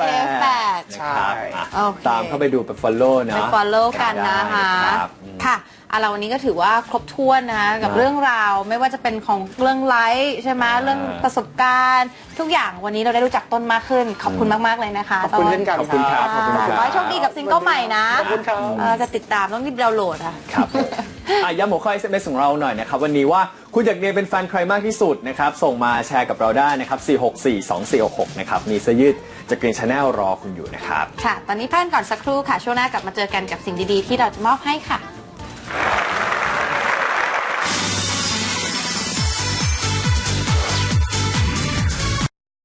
[SPEAKER 3] AF8
[SPEAKER 2] AF8
[SPEAKER 4] ใช่
[SPEAKER 3] นะครับ
[SPEAKER 2] โอเค
[SPEAKER 3] ตามเข้าไปดูไป follow
[SPEAKER 2] ไป
[SPEAKER 3] เนาะ
[SPEAKER 2] follow กันนะคะ
[SPEAKER 3] ได้ครับ
[SPEAKER 2] ค่ะเราวันนี้ก็ถือว่าครบถ้วนนะคะกับ
[SPEAKER 3] นะ
[SPEAKER 2] เรื่องราวไม่ว่าจะเป็นของเรื่องไลฟ์ใช่ไหมเรื่องประสบการณ์ ทุกอย่างวันนี้เราได้รู้จักต้นมากขึ้น ขอบคุณมากๆเลยนะคะ
[SPEAKER 4] ขอบคุณเช่นกัน
[SPEAKER 3] ขอบคุณครับขอบคุณครับ
[SPEAKER 2] ขอให้โชคดีกับซิงเกิลใหม่นะ
[SPEAKER 4] ขอบคุณครับ
[SPEAKER 2] จะติดตามต้องรีบดาวน์โหลดอ่ะ
[SPEAKER 3] ครับย้ำหัวข้อ SMS ของเราหน่อยนะครับวันนี้ว่าคุณอยากเรียนเป็นแฟนใครมากที่สุดนะครับส่งมาแชร์กับเราได้นะครับ4642466นะครับมีเสื้อยืดจาก Green Channel รอคุณอยู่นะครับ
[SPEAKER 2] ค่ะ ตอนนี้พักกันก่อนสักครู่ค่ะช่วงหน้ากลับมาเจอกันกับสิ่งดีๆที่เราจะมอบให้ค่ะ